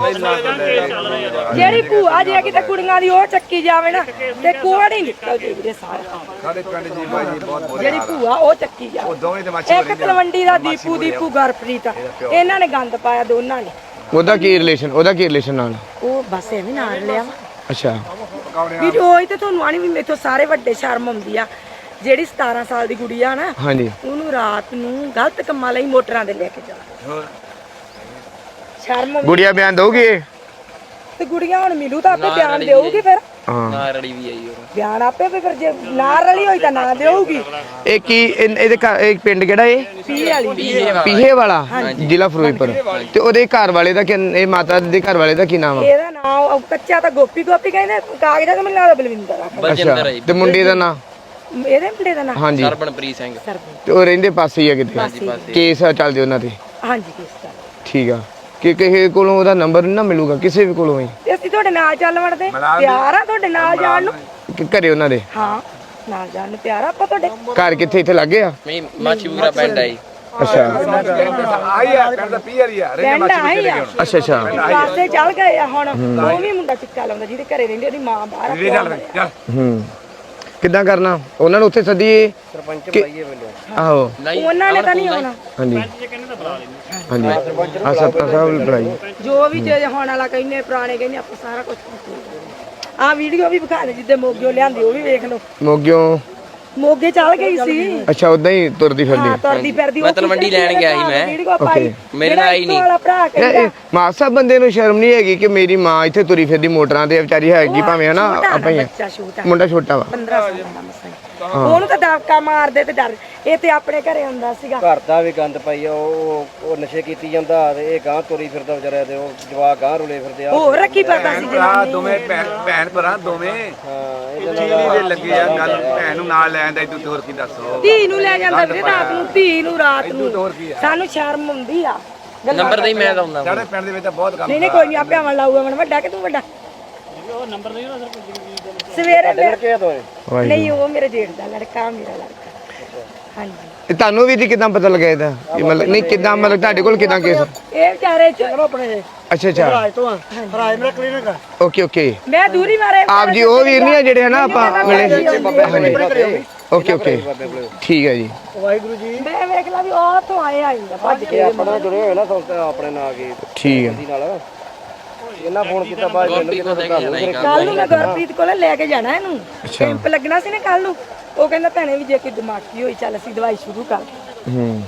[SPEAKER 2] ਜਿਹੜੀ ਭੂਆ ਜੇ ਕਿਤੇ ਕੁੜੀਆਂ ਦੀ ਉਹ ਚੱਕੀ ਜਾਵੇ ਨਾ ਤੇ ਕੋੜ ਹੀ ਨਿਕਲ ਜੇ ਵੀਰੇ ਸਾਰਾ
[SPEAKER 5] ਸਾਡੇ ਪਿੰਡ ਜੀ ਬਾਈ ਜੀ ਬਹੁਤ
[SPEAKER 2] ਜਿਹੜੀ ਭੂਆ ਉਹ ਚੱਕੀ ਜਾਵੇ
[SPEAKER 5] ਦੋਵੇਂ ਤੇ ਮਾਛੀ
[SPEAKER 2] ਇੱਕ ਤਲਵੰਡੀ ਦਾ ਦੀਪੂ ਗੁਰਪ੍ਰੀਤ ਇਹਨਾਂ ਨੇ ਗੰਦ ਪਾਇਆ ਦੋਨਾਂ ਨੇ
[SPEAKER 1] ਉਹਦਾ ਕੀ ਰਿਲੇਸ਼ਨ ਨਾਲ
[SPEAKER 2] ਉਹ ਬਸ ਐਵੇਂ ਨਾਲ ਲਿਆ
[SPEAKER 1] ਅੱਛਾ
[SPEAKER 2] ਵੀ ਉਹ ਹੀ ਤੇ ਤੁਹਾਨੂੰ ਆਣੀ ਵੀ ਮੇਥੋਂ ਸਾਰੇ ਵੱਡੇ ਸ਼ਰਮ ਆਉਂਦੀ ਆ ਜਿਹੜੀ 17 ਸਾਲ ਦੀ ਕੁੜੀ ਆ ਨਾ
[SPEAKER 1] ਹਾਂਜੀ
[SPEAKER 2] ਉਹਨੂੰ ਰਾਤ ਨੂੰ ਗਲਤ ਕੰਮਾਂ ਲਈ ਮੋਟਰਾਂ ਦੇ ਲੈ ਕੇ ਜਾ ਸ਼ਰਮ ਆਉਂਦੀ
[SPEAKER 1] ਗੁੜੀਆ ਬਿਆਨ ਦਊਗੀ ਇਹ?
[SPEAKER 2] ਤੇ ਗੁੜੀਆਂ ਹੁਣ ਮਿਲੂ ਤਾਂ ਆਪੇ ਬਿਆਨ ਦੇਊਗੀ ਫਿਰ
[SPEAKER 1] ਹਾਂ
[SPEAKER 6] ਨਾ ਰੜੀ ਵੀ ਆਈ ਉਹ
[SPEAKER 2] ਬਿਆਨ ਆਪੇ ਫਿਰ ਜੇ ਨਾ ਰਲੀ ਹੋਈ ਤਾਂ ਨਾ ਦੇਊਗੀ
[SPEAKER 1] ਇਹ ਕੀ ਇਹਦੇ ਘਰ ਇਹ ਪਿੰਡ ਕਿਹੜਾ ਇਹ
[SPEAKER 2] ਪੀ ਵਾਲੀ
[SPEAKER 1] ਪੀਹੇ ਵਾਲਾ ਜ਼ਿਲ੍ਹਾ ਫਿਰੋਜ਼ਪੁਰ ਤੇ ਉਹਦੇ ਘਰ ਵਾਲੇ ਦਾ ਇਹ ਮਾਤਾ ਦੇ ਘਰ ਵਾਲੇ ਦਾ ਕੀ ਨਾਮ ਆ
[SPEAKER 2] ਇਹਦਾ ਨਾਮ ਕੱਚਾ ਤਾਂ ਗੋਪੀ ਕਹਿੰਦੇ ਕਾਗਜ਼ਾਂ ਤੇ ਮੈਨੂੰ ਲੱਗਦਾ ਬਲਵਿੰਦਰ ਆ
[SPEAKER 6] ਬਲਜਿੰਦਰ ਆਈ
[SPEAKER 1] ਤੇ ਮੁੰਡੇ ਦਾ ਨਾਂ
[SPEAKER 2] ਇਹਦੇ ਮੁੰਡੇ ਦਾ ਨਾਮ
[SPEAKER 1] ਹਾਂਜੀ
[SPEAKER 6] ਸਰਬਨਪ੍ਰੀਤ ਸਿੰਘ
[SPEAKER 1] ਤੇ ਉਹ ਰਹਿੰਦੇ ਪਾਸੇ ਹੀ ਆ ਕਿਤੇ ਕੇਸ ਚੱਲਦੇ ਉਹਨਾਂ ਤੇ
[SPEAKER 2] ਹਾਂਜੀ ਕਿਸ ਤਰ੍ਹਾਂ
[SPEAKER 1] ਠੀਕ ਆ ਕਿ ਕਿਸੇ ਕੋਲੋਂ ਉਹਦਾ ਨੰਬਰ ਨਾ ਮਿਲੂਗਾ ਕਿਸੇ ਵੀ ਕੋਲੋਂ ਹੀ
[SPEAKER 2] ਤੇ ਅਸੀਂ ਤੁਹਾਡੇ ਨਾਲ ਚੱਲ ਵੜਦੇ ਪਿਆਰ ਆ ਤੁਹਾਡੇ ਨਾਲ ਜਾਣ ਨੂੰ
[SPEAKER 1] ਕਿ ਘਰੇ ਉਹਨਾਂ ਦੇ
[SPEAKER 2] ਹਾਂ ਨਾਲ ਜਾਣ ਨੂੰ ਪਿਆਰ ਆ ਆਪਾਂ ਤੁਹਾਡੇ
[SPEAKER 1] ਘਰ ਕਿੱਥੇ ਇੱਥੇ ਲੱਗੇ ਆ
[SPEAKER 6] ਮੈਂ ਮਾਚੀਪੁਰਾ ਪਿੰਡ ਆਈ
[SPEAKER 1] ਅੱਛਾ
[SPEAKER 5] ਆਈ ਆ ਪਿੰਡ ਦਾ ਪੀਰ ਹੀ ਆ
[SPEAKER 2] ਪਿੰਡ ਆਈ ਆ
[SPEAKER 1] ਅੱਛਾ ਅੱਛਾ
[SPEAKER 2] ਪਾਸੇ ਚੱਲ ਗਏ ਆ ਹੁਣ ਉਹ ਵੀ ਮੁੰਡਾ ਚਿੱਕਾ ਲਾਉਂਦਾ ਜਿਹਦੇ ਘਰੇ ਰਹਿੰਦੀ ਉਹਦੀ ਮਾਂ ਬਾਹਰ ਆ
[SPEAKER 5] ਚੱਲ ਚੱਲ
[SPEAKER 1] ਹੂੰ ਕਿੱਦਾਂ ਕਰਨਾ ਉਹਨਾਂ ਨੂੰ ਉੱਥੇ ਸੱਦੀਏ
[SPEAKER 3] ਸਰਪੰਚ ਭਾਈਏ ਵੱਲੋਂ
[SPEAKER 1] ਆਹੋ
[SPEAKER 2] ਉਹਨਾਂ ਨੇ ਤਾਂ ਨਹੀਂ ਆਉਣਾ
[SPEAKER 1] ਹਾਂਜੀ ਹਾਂਜੀ ਆ ਸਰਪੰਚ ਸਾਹਿਬ ਨੂੰ ਬੁਲਾਈ
[SPEAKER 2] ਜੋ ਵੀ ਜੇ ਹੋਣ ਵਾਲਾ ਕਹਿੰਦੇ ਪੁਰਾਣੇ ਕਹਿੰਦੇ ਆਪਾਂ ਸਾਰਾ ਕੁਝ ਆ ਵੀਡੀਓ ਵੀ ਵਿਖਾ ਦੇ ਜਿੱਦੇ ਮੋਗਿਓ ਲਿਆਂਦੀ ਉਹ ਵੀ ਵੇਖ ਲਓ
[SPEAKER 1] ਮੋਗਿਓ
[SPEAKER 2] ਮੋਗੇ ਚੱਲ ਗਈ ਸੀ
[SPEAKER 1] ਅੱਛਾ ਉਦਾਂ ਹੀ ਤੁਰਦੀ ਫਿਰਦੀ
[SPEAKER 2] ਹਾਂ ਤੁਰਦੀ ਫਿਰਦੀ
[SPEAKER 6] ਮੈਂ ਤਲਵੰਡੀ ਲੈਣ ਗਿਆ ਸੀ ਮੈਂ
[SPEAKER 2] ਵੀਡੀਓ ਪਾਈ
[SPEAKER 6] ਮੇਰੇ ਨਾਲ ਆਈ ਨਹੀਂ
[SPEAKER 2] ਵਾਲਾ ਭਰਾ ਕਹਿੰਦਾ
[SPEAKER 1] ਮਾਸਾ ਬੰਦੇ ਨੂੰ ਸ਼ਰਮ ਨਹੀਂ ਹੈਗੀ ਕਿ ਮੇਰੀ ਮਾਂ ਇੱਥੇ ਤੁਰੀ ਫਿਰਦੀ ਮੋਟਰਾਂ ਤੇ ਵਿਚਾਰੀ ਹੈਗੀ ਭਾਵੇਂ ਹਨਾ ਆਪਾਂ ਹੀ ਆ।
[SPEAKER 2] ਬੱਚਾ ਛੋਟਾ
[SPEAKER 1] ਮੁੰਡਾ ਛੋਟਾ ਵਾ
[SPEAKER 2] 15 ਸਾਲ ਦਾ ਮਸਾਂ ਉਹਨੂੰ ਤਾਂ ਦਬਕਾ ਮਾਰਦੇ ਤੇ ਡਰ ਇਹ ਤੇ ਆਪਣੇ ਘਰੇ ਹੁੰਦਾ ਸੀਗਾ
[SPEAKER 3] ਘਰ ਦਾ ਵੀ ਗੰਦ ਪਾਈ ਆ ਉਹ ਨਸ਼ੇ ਕੀਤੀ ਜਾਂਦਾ ਤੇ ਇਹ ਗਾਂ ਤੁਰੀ ਫਿਰਦਾ ਵਿਚਾਰਿਆ ਤੇ ਉਹ ਜਵਾਕ ਗਾਂ ਰੁਲੇ ਫਿਰਦੇ ਆ
[SPEAKER 2] ਹੋਰ ਰੱਖੀ ਪਤਾ ਸੀ
[SPEAKER 5] ਭਰਾ ਦੋਵੇਂ ਭੈਣ ਭਰਾ ਦੋਵੇਂ
[SPEAKER 3] ਹਾਂ
[SPEAKER 5] ਇਹਦੇ ਲੱਗੇ ਆ ਗੱਲ ਭੈਣ ਨੂੰ ਨਾਲ ਲੈ ਆਂਦਾ ਤੂੰ ਹੋਰ ਕੀ ਦੱਸੋ
[SPEAKER 2] ਧੀ ਨੂੰ ਲੈ ਜਾਂਦਾ ਵੀਰੇ ਰਾਤ ਨੂੰ ਧੀ ਨੂੰ ਰਾਤ ਨੂੰ ਸਾਨੂੰ ਸ਼ਰਮ ਆਉਂਦੀ ਆ
[SPEAKER 6] ਨੰਬਰ ਦੇ ਮੈਂ ਦਊਂਦਾ
[SPEAKER 5] ਸਾਡੇ ਪਿੰਡ ਦੇ ਵਿੱਚ ਤਾਂ ਬਹੁਤ ਕੰਮ
[SPEAKER 2] ਨਹੀਂ ਕੋਈ ਨਹੀਂ ਆਪੇ ਆਵਣ ਲਾਊਗਾ ਮਨ ਵੱਡਾ ਕਿ ਤੂੰ ਵੱਡਾ
[SPEAKER 4] ਉਹ ਨੰਬਰ ਦੇ ਨਾ
[SPEAKER 2] ਸਵੇਰੇ
[SPEAKER 3] ਲੜਕੇ ਆ ਦੋਵੇਂ
[SPEAKER 2] ਨਹੀਂ ਉਹ ਮੇਰੇ ਜੇਠ ਦਾ ਲੜਕਾ ਮੇਰਾ ਲੜਕਾ ਹਾਂਜੀ
[SPEAKER 1] ਇਹ ਤੁਹਾਨੂੰ ਵੀ ਜੀ ਕਿਦਾਂ ਪਤਾ ਲੱਗਿਆ ਇਹਦਾ ਇਹ ਮਤਲਬ ਨਹੀਂ ਕਿਦਾਂ ਮਤਲਬ ਤੁਹਾਡੇ ਕੋਲ ਕਿਦਾਂ ਕੇਸ
[SPEAKER 2] ਇਹ ਵਿਚਾਰੇ ਚ ਆਪਣੇ
[SPEAKER 1] ਅੱਛਾ ਅੱਛਾ
[SPEAKER 3] ਰਾਜ ਮੇਰਾ ਕਲੀਨਿਕ ਆ
[SPEAKER 1] ਓਕੇ ਓਕੇ
[SPEAKER 2] ਮੈਂ ਦੂਰੀ ਮਾਰੇ
[SPEAKER 1] ਆਪ ਜੀ ਉਹ ਵੀਰ ਨਹੀਂ ਆ ਜਿਹੜੇ ਹਨਾ ਆਪਾਂ ਮਿਲੇ ਹਾਂਜੀ ਓਕੇ ਓਕੇ ਠੀਕ ਹੈ ਜੀ
[SPEAKER 3] ਵਾਹਿਗੁਰੂ ਜੀ
[SPEAKER 2] ਮੈਂ ਵੇਖ ਲਾ ਵੀ ਉਹ ਤੋਂ ਆਏ ਆਇੰਦਾ ਭੱਜ ਕੇ
[SPEAKER 3] ਆਪਣਾ ਜੁੜੇ ਹੋਏ ਨਾ ਸੰਸਥਾ ਆਪਣੇ ਨਾਲ ਕੀ
[SPEAKER 1] ਠੀਕ ਹੈ
[SPEAKER 3] ਦੀ ਨਾਲ ਇਹਨਾਂ ਫੋਨ ਕੀਤਾ ਬਾਅਦ ਮੈਨੂੰ ਕਿਤੇ
[SPEAKER 2] ਕੱਲ ਨੂੰ ਮੈਂ ਗੁਰਪ੍ਰੀਤ ਕੋਲ ਲੈ ਕੇ ਜਾਣਾ ਇਹਨੂੰ ਕੈਂਪ ਲੱਗਣਾ ਸੀ ਨਾ ਕੱਲ ਨੂੰ ਉਹ ਕਹਿੰਦਾ ਭੈਣੇ ਵੀ ਜੇ ਕੋਈ ਦਿਮਾਗੀ ਹੋਈ ਚੱਲ ਅਸੀਂ ਦਵਾਈ ਸ਼ੁਰੂ ਕਰ
[SPEAKER 1] ਹੂੰ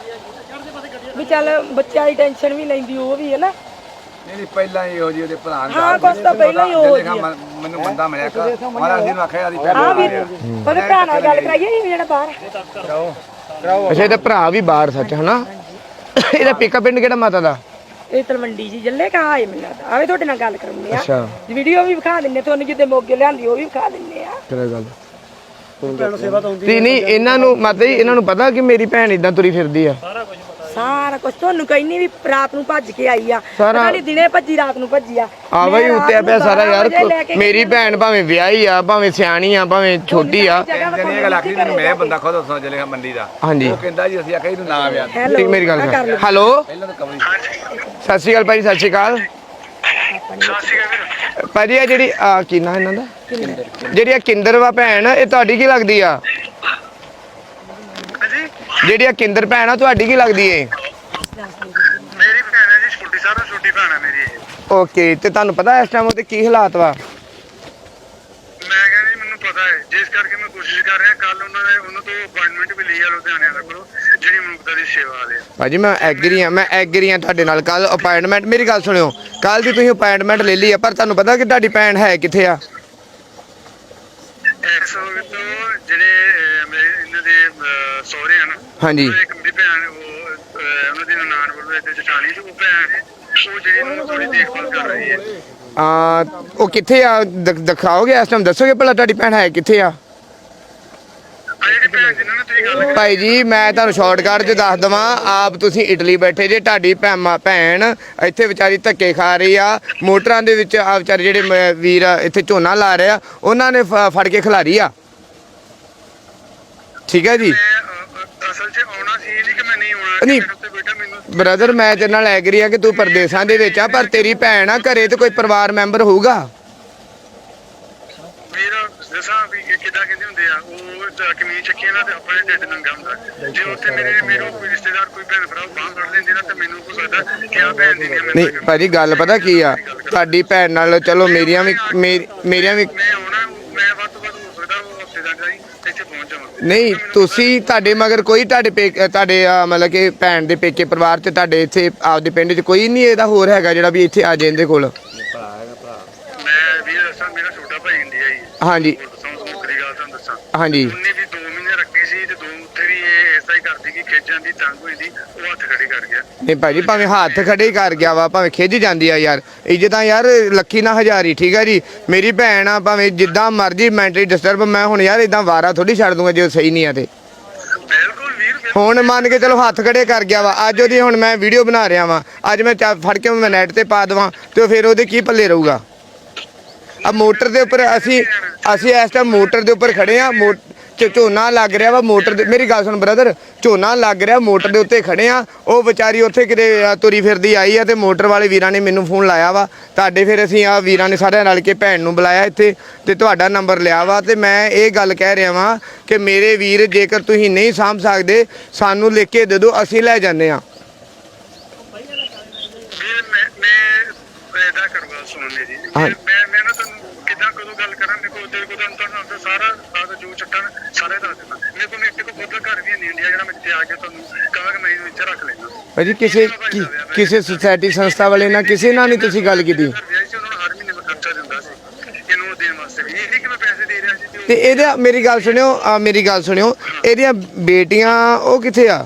[SPEAKER 2] ਵੀ ਚੱਲ ਬੱਚਿਆਂ ਦੀ ਟੈਨਸ਼ਨ ਵੀ ਲੈਂਦੀ ਉਹ ਵੀ ਹੈ ਨਾ
[SPEAKER 5] ਨਹੀਂ ਪਹਿਲਾਂ ਹੀ ਇਹੋ ਜੀ ਉਹਦੇ ਭਰਾ ਨੇ
[SPEAKER 2] ਹਾਂ ਕੁਛ ਤਾਂ ਪਹਿਲਾਂ ਹੀ ਉਹ
[SPEAKER 5] ਮੈਨੂੰ ਬੰਦਾ ਮਿਲਿਆ ਮਹਾਰਾਜ ਜੀ ਨੂੰ ਆਖਿਆ ਆਦੀ ਭੈਣ
[SPEAKER 2] ਹਾਂ ਵੀਰ ਉਹਦੇ ਭਰਾ ਨਾਲ ਗੱਲ ਕਰਾਈਏ ਇਹ ਜਿਹੜਾ ਬਾਹਰ
[SPEAKER 1] ਅੱਛਾ ਇਹਦਾ ਭਰਾ ਵੀ ਬਾਹਰ ਸੱਚ ਹਨਾ ਇਹਦਾ ਪੇਕਾ ਪਿੰਡ ਕਿਹੜਾ ਮਾਤਾ ਦਾ?
[SPEAKER 2] ਇਹ ਤਲਵੰਡੀ ਜੀ ਜੱਲੇ ਕਾ ਆਏ ਮੈਨੂੰ ਲੱਗਦਾ। ਆਵੇ ਤੁਹਾਡੇ ਨਾਲ ਗੱਲ ਕਰਨੀ ਆ।
[SPEAKER 1] ਅੱਛਾ
[SPEAKER 2] ਵੀਡੀਓ ਵੀ ਵਿਖਾ ਦਿੰਨੇ ਤੁਹਾਨੂੰ, ਜਿੱਦੇ ਮੋਗੇ ਲਿਆਂਦੀ ਉਹ ਵੀ ਵਿਖਾ ਦਿੰਨੇ ਆ।
[SPEAKER 1] ਕਿਹੜਾ ਗੱਲ ਤੇ ਨਹੀਂ ਇਹਨਾਂ ਨੂੰ ਮਾਤਾ ਜੀ ਇਹਨਾਂ ਨੂੰ ਪਤਾ ਕਿ ਮੇਰੀ ਭੈਣ ਇਦਾਂ ਤੁਰੀ ਫਿਰਦੀ ਆ?
[SPEAKER 2] ਸਾਰਾ ਕੁਝ ਤੁਹਾਨੂੰ ਕਹਿੰਨੀ ਵੀ ਰਾਤ ਨੂੰ ਭੱਜ ਕੇ ਆਈ ਆ,
[SPEAKER 1] ਸਾਰਾ-
[SPEAKER 2] ਪਤਾ ਨਹੀਂ ਦਿਨੇ ਭੱਜੀ ਰਾਤ ਨੂੰ ਭੱਜੀ ਆ।
[SPEAKER 1] ਆ ਬਈ
[SPEAKER 2] ਮੈਂ ਰਾਤ
[SPEAKER 1] ਉੱਤੇ
[SPEAKER 2] ਨੂੰ
[SPEAKER 1] ਪਿਆ ਸਾਰਾ
[SPEAKER 2] 12
[SPEAKER 1] ਯਾਰ।
[SPEAKER 2] ਵਜੇ ਲੈ ਕੇ
[SPEAKER 1] ਮੇਰੀ ਭੈਣ ਭਾਵੇਂ ਵਿਆਹੀ ਆ, ਭਾਵੇਂ ਸਿਆਣੀ ਆ, ਭਾਵੇਂ ਛੋਟੀ ਆ।
[SPEAKER 5] ਜਨੀ ਇਹ ਗੱਲ ਆਖੀ ਤੈਨੂੰ ਮੈਂ ਬੰਦਾ ਖੁਦ ਦੱਸਣਾ ਚੱਲੇਗਾ ਮੰਡੀ ਦਾ।
[SPEAKER 1] ਹਾਂਜੀ
[SPEAKER 5] ਉਹ ਕਹਿੰਦਾ ਜੀ ਅਸੀਂ ਆਖਿਆ ਇਹਨੂੰ ਨਾ ਵਿਆਹ
[SPEAKER 1] ਠੀਕ ਮੇਰੀ ਗੱਲ ਸੁਣ। ਹੈਲੋ ਸਤਿ ਸ਼੍ਰੀ ਅਕਾਲ ਭਾਈ, ਸਤਿ ਸ਼੍ਰੀ ਅਕਾਲ ਭਾਜੀ। ਆ ਜਿਹੜੀ ਆ ਕੀ ਨਾਂ ਇਹਨਾਂ ਦਾ, ਜਿਹੜੀ ਆ ਕਿੰਦਰ ਵਾ ਭੈਣ, ਇਹ ਤੁਹਾਡੀ ਕੀ ਲੱਗਦੀ ਆ? ਜਿਹੜੀ ਆ ਕਿੰਦਰ ਭੈਣ ਆ ਤੁਹਾਡੀ ਕੀ ਲੱਗਦੀ ਏ?
[SPEAKER 7] ਮੇਰੀ ਭੈਣ ਹੈ ਜੀ, ਛੋਟੀ ਸਾਰਾ ਛੋਟੀ ਭੈਣ ਹੈ ਮੇਰੀ।
[SPEAKER 1] ਓਕੇ ਤੇ ਤੁਹਾਨੂੰ ਪਤਾ ਇਸ ਟਾਈਮ ਉਹਦੇ ਕੀ ਹਾਲਾਤ ਵਾ?
[SPEAKER 7] ਮੈਂ ਕਹਿੰਦੀ ਮੈਨੂੰ ਪਤਾ ਹੈ, ਜਿਸ ਕਰਕੇ ਮੈਂ ਕੋਸ਼ਿਸ਼ ਕਰ ਰਿਹਾ। ਕੱਲ ਉਹਨਾਂ ਤੋਂ ਅਪਾਇੰਟਮੈਂਟ ਵੀ ਲਈ ਆ ਲੁਧਿਆਣੇ ਵਾਲੇ ਕੋਲੋਂ, ਜਿਹੜੀ ਮਨੁੱਖਤਾ ਦੀ ਸੇਵਾ ਵਾਲੇ ਆ।
[SPEAKER 1] ਭਾਜੀ ਮੈਂ ਐਗਰੀ ਆ ਤੁਹਾਡੇ ਨਾਲ। ਕੱਲ ਅਪਾਇੰਟਮੈਂਟ, ਮੇਰੀ ਗੱਲ ਸੁਣਿਓ, ਕੱਲ ਦੀ ਤੁਸੀਂ ਅਪਾਇੰਟਮੈਂਟ ਲੈ ਲਈ ਆ, ਪਰ ਤੁਹਾਨੂੰ ਪਤਾ ਕਿ ਤੁਹਾਡੀ ਭੈਣ ਹੈ ਕਿੱਥੇ ਆ?
[SPEAKER 7] ਇਸ ਵਕਤ ਜਿਹੜੇ ਮੇਰੇ ਇਹਨਾਂ ਦੇ ਸਹੁਰੇ ਹਨ,
[SPEAKER 1] ਹਾਂਜੀ
[SPEAKER 7] ਇੱਕ ਮੇਰੀ ਭੈਣ, ਉਹਨਾਂ ਦੀ ਨਨਾਣ ਵੱਲੋਂ ਇੱਥੇ ਜਟਾਣੀ ਤੋਂ ਉਹ ਭੈਣ ਹੈ, ਉਹ ਜਿਹੜੀ ਨੂੰ ਥੋੜੀ ਦੇਖਭਾਲ ਕਰ ਰਹੀ ਹੈ।
[SPEAKER 1] ਉਹ ਕਿੱਥੇ ਆ? ਦਿਖਾਓਗੇ ਇਸ ਟਾਈਮ, ਦੱਸੋਗੇ ਭਲਾ ਤੁਹਾਡੀ ਭੈਣ ਹੈ ਕਿੱਥੇ ਆ?
[SPEAKER 7] ਆ ਜਿਹੜੀ ਭੈਣ ਜਿਹਨਾਂ ਨਾਲ ਤੁਸੀਂ ਗੱਲ
[SPEAKER 1] ਭਾਈ ਜੀ ਮੈਂ ਤੁਹਾਨੂੰ ਸ਼ਾਰਟਕਟ 'ਚ ਦੱਸ ਦਵਾਂ, ਆਪ ਤੁਸੀਂ ਇਟਲੀ ਬੈਠੇ ਜੇ, ਤੁਹਾਡੀ ਭੈਣ ਇੱਥੇ ਵਿਚਾਰੀ ਧੱਕੇ ਖਾ ਰਹੀ ਆ ਮੋਟਰਾਂ ਦੇ ਵਿੱਚ। ਆ ਵਿਚਾਰੇ ਜਿਹੜੇ ਵੀਰ ਇੱਥੇ ਝੋਨਾ ਲਾ ਰਹੇ ਆ, ਉਹਨਾਂ ਨੇ ਫੜ ਕੇ ਖਿਲਾਰੀ ਆ। ਠੀਕ ਹੈ ਜੀ।
[SPEAKER 7] ਅਸਲ 'ਚ ਆਉਣਾ ਸੀ ਨਹੀਂ ਕਿ ਮੈਂ ਨਹੀਂ ਆਉਣਾ।
[SPEAKER 1] ਨਹੀਂ
[SPEAKER 7] ਮੇਰੇ ਉੱਤੇ ਬੇਟਾ ਮੈਨੂੰ
[SPEAKER 1] ਬ੍ਰਦਰ ਮੈਂ ਤੇਰੇ ਨਾਲ ਐਗਰੀ ਆ ਕਿ ਤੂੰ ਪਰਦੇਸਾਂ ਦੇ ਵਿੱਚ ਆ, ਪਰ ਤੇਰੀ ਭੈਣ ਆ ਘਰੇ ਤੇ ਕੋਈ ਪਰਿਵਾਰ ਮੈਂਬਰ ਹੋਊਗਾ।
[SPEAKER 7] ਮੇਰਾ ਦੱਸਾਂ ਵੀ ਕਿੱਦਾਂ ਕਹਿੰਦੇ ਹੁੰਦੇ ਆ, ਉਹ ਕਮੀਜ਼ ਚੱਕੀਆਂ ਨਾ ਤੇ ਆਪਣੇ ਢਿੱਡ ਨੰਗਾ ਹੁੰਦਾ। ਜੇ ਉੱਥੇ ਮੇਰੇ ਕੋਈ ਰਿਸ਼ਤੇਦਾਰ ਕੋਈ ਭੈਣ ਭਰਾ ਬਾਂਹ ਫੜ ਲੈਂਦੇ ਨਾ, ਤੇ ਮੈਨੂੰ ਹੋ ਸਕਦਾ ਕਿ ਆ ਭੈਣ ਦੀ
[SPEAKER 1] ਨਹੀਂ ਭਾਜੀ ਗੱਲ ਪਤਾ ਕੀ ਆ, ਤੁਹਾਡੀ ਭੈਣ ਨਾਲ ਚਲੋ ਮੇਰੀਆਂ ਵੀ
[SPEAKER 7] ਮੈਂ ਆਉਣਾ, ਮੈਂ ਵੱਧ ਤੋਂ ਵੱਧ ਹੋ ਸਕਦਾ ਉਹ ਹਫਤੇ ਦਾ ਜਾਈ ਇੱਥੇ ਪਹੁੰਚ ਜਾਵਾਂ।
[SPEAKER 1] ਨਹੀਂ ਤੁਸੀਂ ਤੁਹਾਡੇ ਮਗਰ ਕੋਈ ਤੁਹਾਡੇ ਮਤਲਬ ਕਿ ਭੈਣ ਦੇ ਪੇਕੇ ਪਰਿਵਾਰ 'ਚ ਤੁਹਾਡੇ ਇੱਥੇ ਆਪਦੇ ਪਿੰਡ 'ਚ ਕੋਈ ਨਹੀਂ ਇਹਦਾ ਹੋਰ ਹੈਗਾ ਜਿਹੜਾ ਵੀ ਇੱਥੇ ਆ ਜੇ ਇਹਦੇ ਕੋਲ?
[SPEAKER 7] ਮੈਂ ਵੀ ਦੱਸਾਂ, ਮੇਰਾ ਛੋਟਾ ਭਾਈ ਇੰਡੀਆ ਹੀ
[SPEAKER 1] ਹਾਂਜੀ
[SPEAKER 7] ਦੱਸਾਂ, ਮੁੱਖ ਦੀ ਗੱਲ ਤੁਹਾਨੂੰ ਦੱਸਾਂ।
[SPEAKER 1] ਹਾਂਜੀ
[SPEAKER 7] ਉਹਨੇ ਵੀ 2 ਮਹੀਨੇ ਰੱਖੀ ਸੀ ਤੇ 2 ਉੱਥੇ ਵੀ ਇਹ ਐਸਾ ਹੀ ਕਰਦੀ ਕਿ ਖਿੱਚ ਜਾਂਦੀ, ਤੰਗ ਹੋਈ ਦੀ, ਉਹ ਹੱਥ ਖੜੇ ਕਰ ਗਿਆ।
[SPEAKER 1] ਨਹੀਂ ਭਾਜੀ ਭਾਵੇਂ ਹੱਥ ਖੜੇ ਹੀ ਕਰ ਗਿਆ ਵਾ, ਭਾਵੇਂ ਖਿੱਚ ਜਾਂਦੀ ਆ ਯਾਰ, ਇੱਜ਼ਤਾਂ ਯਾਰ ਲੱਖੀ ਨਾ ਹਜ਼ਾਰੀ। ਠੀਕ ਆ ਜੀ, ਮੇਰੀ ਭੈਣ ਆ, ਭਾਵੇਂ ਜਿੱਦਾਂ ਮਰਜ਼ੀ ਮੈਂਟਲੀ ਡਿਸਟਰਬ, ਮੈਂ ਹੁਣ ਯਾਰ ਇਦਾਂ ਵਾਰਾ ਥੋੜੀ ਛੱਡ ਦੂੰਗਾ ਜੇ ਉਹ ਸਹੀ ਨਹੀਂ ਆ ਤੇ।
[SPEAKER 7] ਬਿਲਕੁਲ ਵੀਰ,
[SPEAKER 1] ਹੁਣ ਮੰਨ ਕੇ ਚਲੋ ਹੱਥ ਖੜੇ ਕਰ ਗਿਆ ਵਾ, ਅੱਜ ਉਹਦੀ ਹੁਣ ਮੈਂ ਵੀਡੀਓ ਬਣਾ ਰਿਹਾ ਵਾਂ, ਅੱਜ ਮੈਂ ਫੜ ਕੇ ਮੈਂ ਨੈਟ ਤੇ ਪਾ ਦੇਵਾਂ ਤੇ ਫਿਰ ਉਹਦੇ ਕੀ ਪੱਲੇ ਰਹੂਗਾ? ਆ ਮੋਟਰ ਦੇ ਉੱਪਰ ਅਸੀਂ ਇਸ ਟਾਈਮ ਮੋਟਰ ਦੇ ਉੱਪਰ ਖੜੇ ਆ, ਝੋਨਾ ਲੱਗ ਰਿਹਾ ਵਾ ਮੋਟਰ ਦੇ। ਮੇਰੀ ਗੱਲ ਸੁਣ ਬ੍ਰਦਰ, ਝੋਨਾ ਲੱਗ ਰਿਹਾ ਮੋਟਰ ਦੇ ਉੱਤੇ ਖੜੇ ਆ, ਉਹ ਵਿਚਾਰੀ ਉੱਥੇ ਕਿਤੇ ਤੁਰੀ ਫਿਰਦੀ ਆਈ ਆ ਤੇ ਮੋਟਰ ਵਾਲੇ ਵੀਰਾਂ ਨੇ ਮੈਨੂੰ ਫੋਨ ਲਾਇਆ ਵਾ ਤੁਹਾਡੇ, ਫਿਰ ਅਸੀਂ ਆ ਵੀਰਾਂ ਨੇ ਸਾਰਿਆਂ ਰਲ ਕੇ ਭੈਣ ਨੂੰ ਬੁਲਾਇਆ ਇੱਥੇ ਤੇ ਤੁਹਾਡਾ ਨੰਬਰ ਲਿਆ ਵਾ। ਤੇ ਮੈਂ ਇਹ ਗੱਲ ਕਹਿ ਰਿਹਾ ਵਾਂ ਕਿ ਮੇਰੇ ਵੀਰ ਜੇਕਰ ਤੁਸੀਂ ਨਹੀਂ ਸਾਂਭ ਸਕਦੇ ਸਾਨੂੰ ਲਿਖ ਕੇ ਦੇ ਦਿਓ, ਅਸੀਂ ਲੈ ਜਾਂਦੇ ਆ।
[SPEAKER 7] ਵੀਰ ਮੈਂ ਇਹਦਾ ਕਰਵਾ ਸੁਣਨੇ ਜੀ। ਮੈਂ ਨਾ ਤੁਹਾਨੂੰ ਕਿੱਦਾਂ ਕਦੋਂ ਗੱਲ ਕਰਾਂ, ਮੇਰੇ ਕੋਲ ਤੇਰੇ ਕੋਲ ਤੁਹਾਨੂੰ ਸਾਰਾ ਜੋ ਚੱਟਣ ਸਾਰੇ ਦੱਸ ਦਿੰਦਾ। ਮੇਰੇ ਕੋਲ ਖੁਦ ਦਾ ਘਰ ਵੀ ਨਹੀਂ ਇੰਡੀਆ, ਜਿਹੜਾ ਮੈਂ ਇੱਥੇ ਆ ਕੇ ਤੁਹਾਨੂੰ ਕਹਾਂ ਕਿ ਮੈਂ ਇਹਨੂੰ ਇੱਥੇ ਰੱਖ ਲੈਣਾ।
[SPEAKER 1] ਭਾਜੀ ਕਿਸੇ ਸੁਸਾਇਟੀ ਸੰਸਥਾ ਵਾਲੇ ਨਾਲ ਕਿਸੇ ਨਾਲ ਨਹੀਂ ਤੁਸੀਂ ਗੱਲ ਕੀਤੀ?
[SPEAKER 7] ਉਹਨਾਂ ਨੂੰ ਹਰ ਮਹੀਨੇ ਮੈਂ ਖਰਚਾ ਦਿੰਦਾ ਸੀ ਇਹਨੂੰ ਦੇਣ ਵਾਸਤੇ ਵੀ, ਇਹ ਨਹੀਂ ਕਿ ਮੈਂ ਪੈਸੇ ਦੇ ਰਿਹਾ ਸੀ।
[SPEAKER 1] ਤੇ ਇਹਦੇ ਮੇਰੀ ਗੱਲ ਸੁਣਿਓ ਇਹਦੀਆਂ ਬੇਟੀਆਂ ਉਹ ਕਿੱਥੇ ਆ?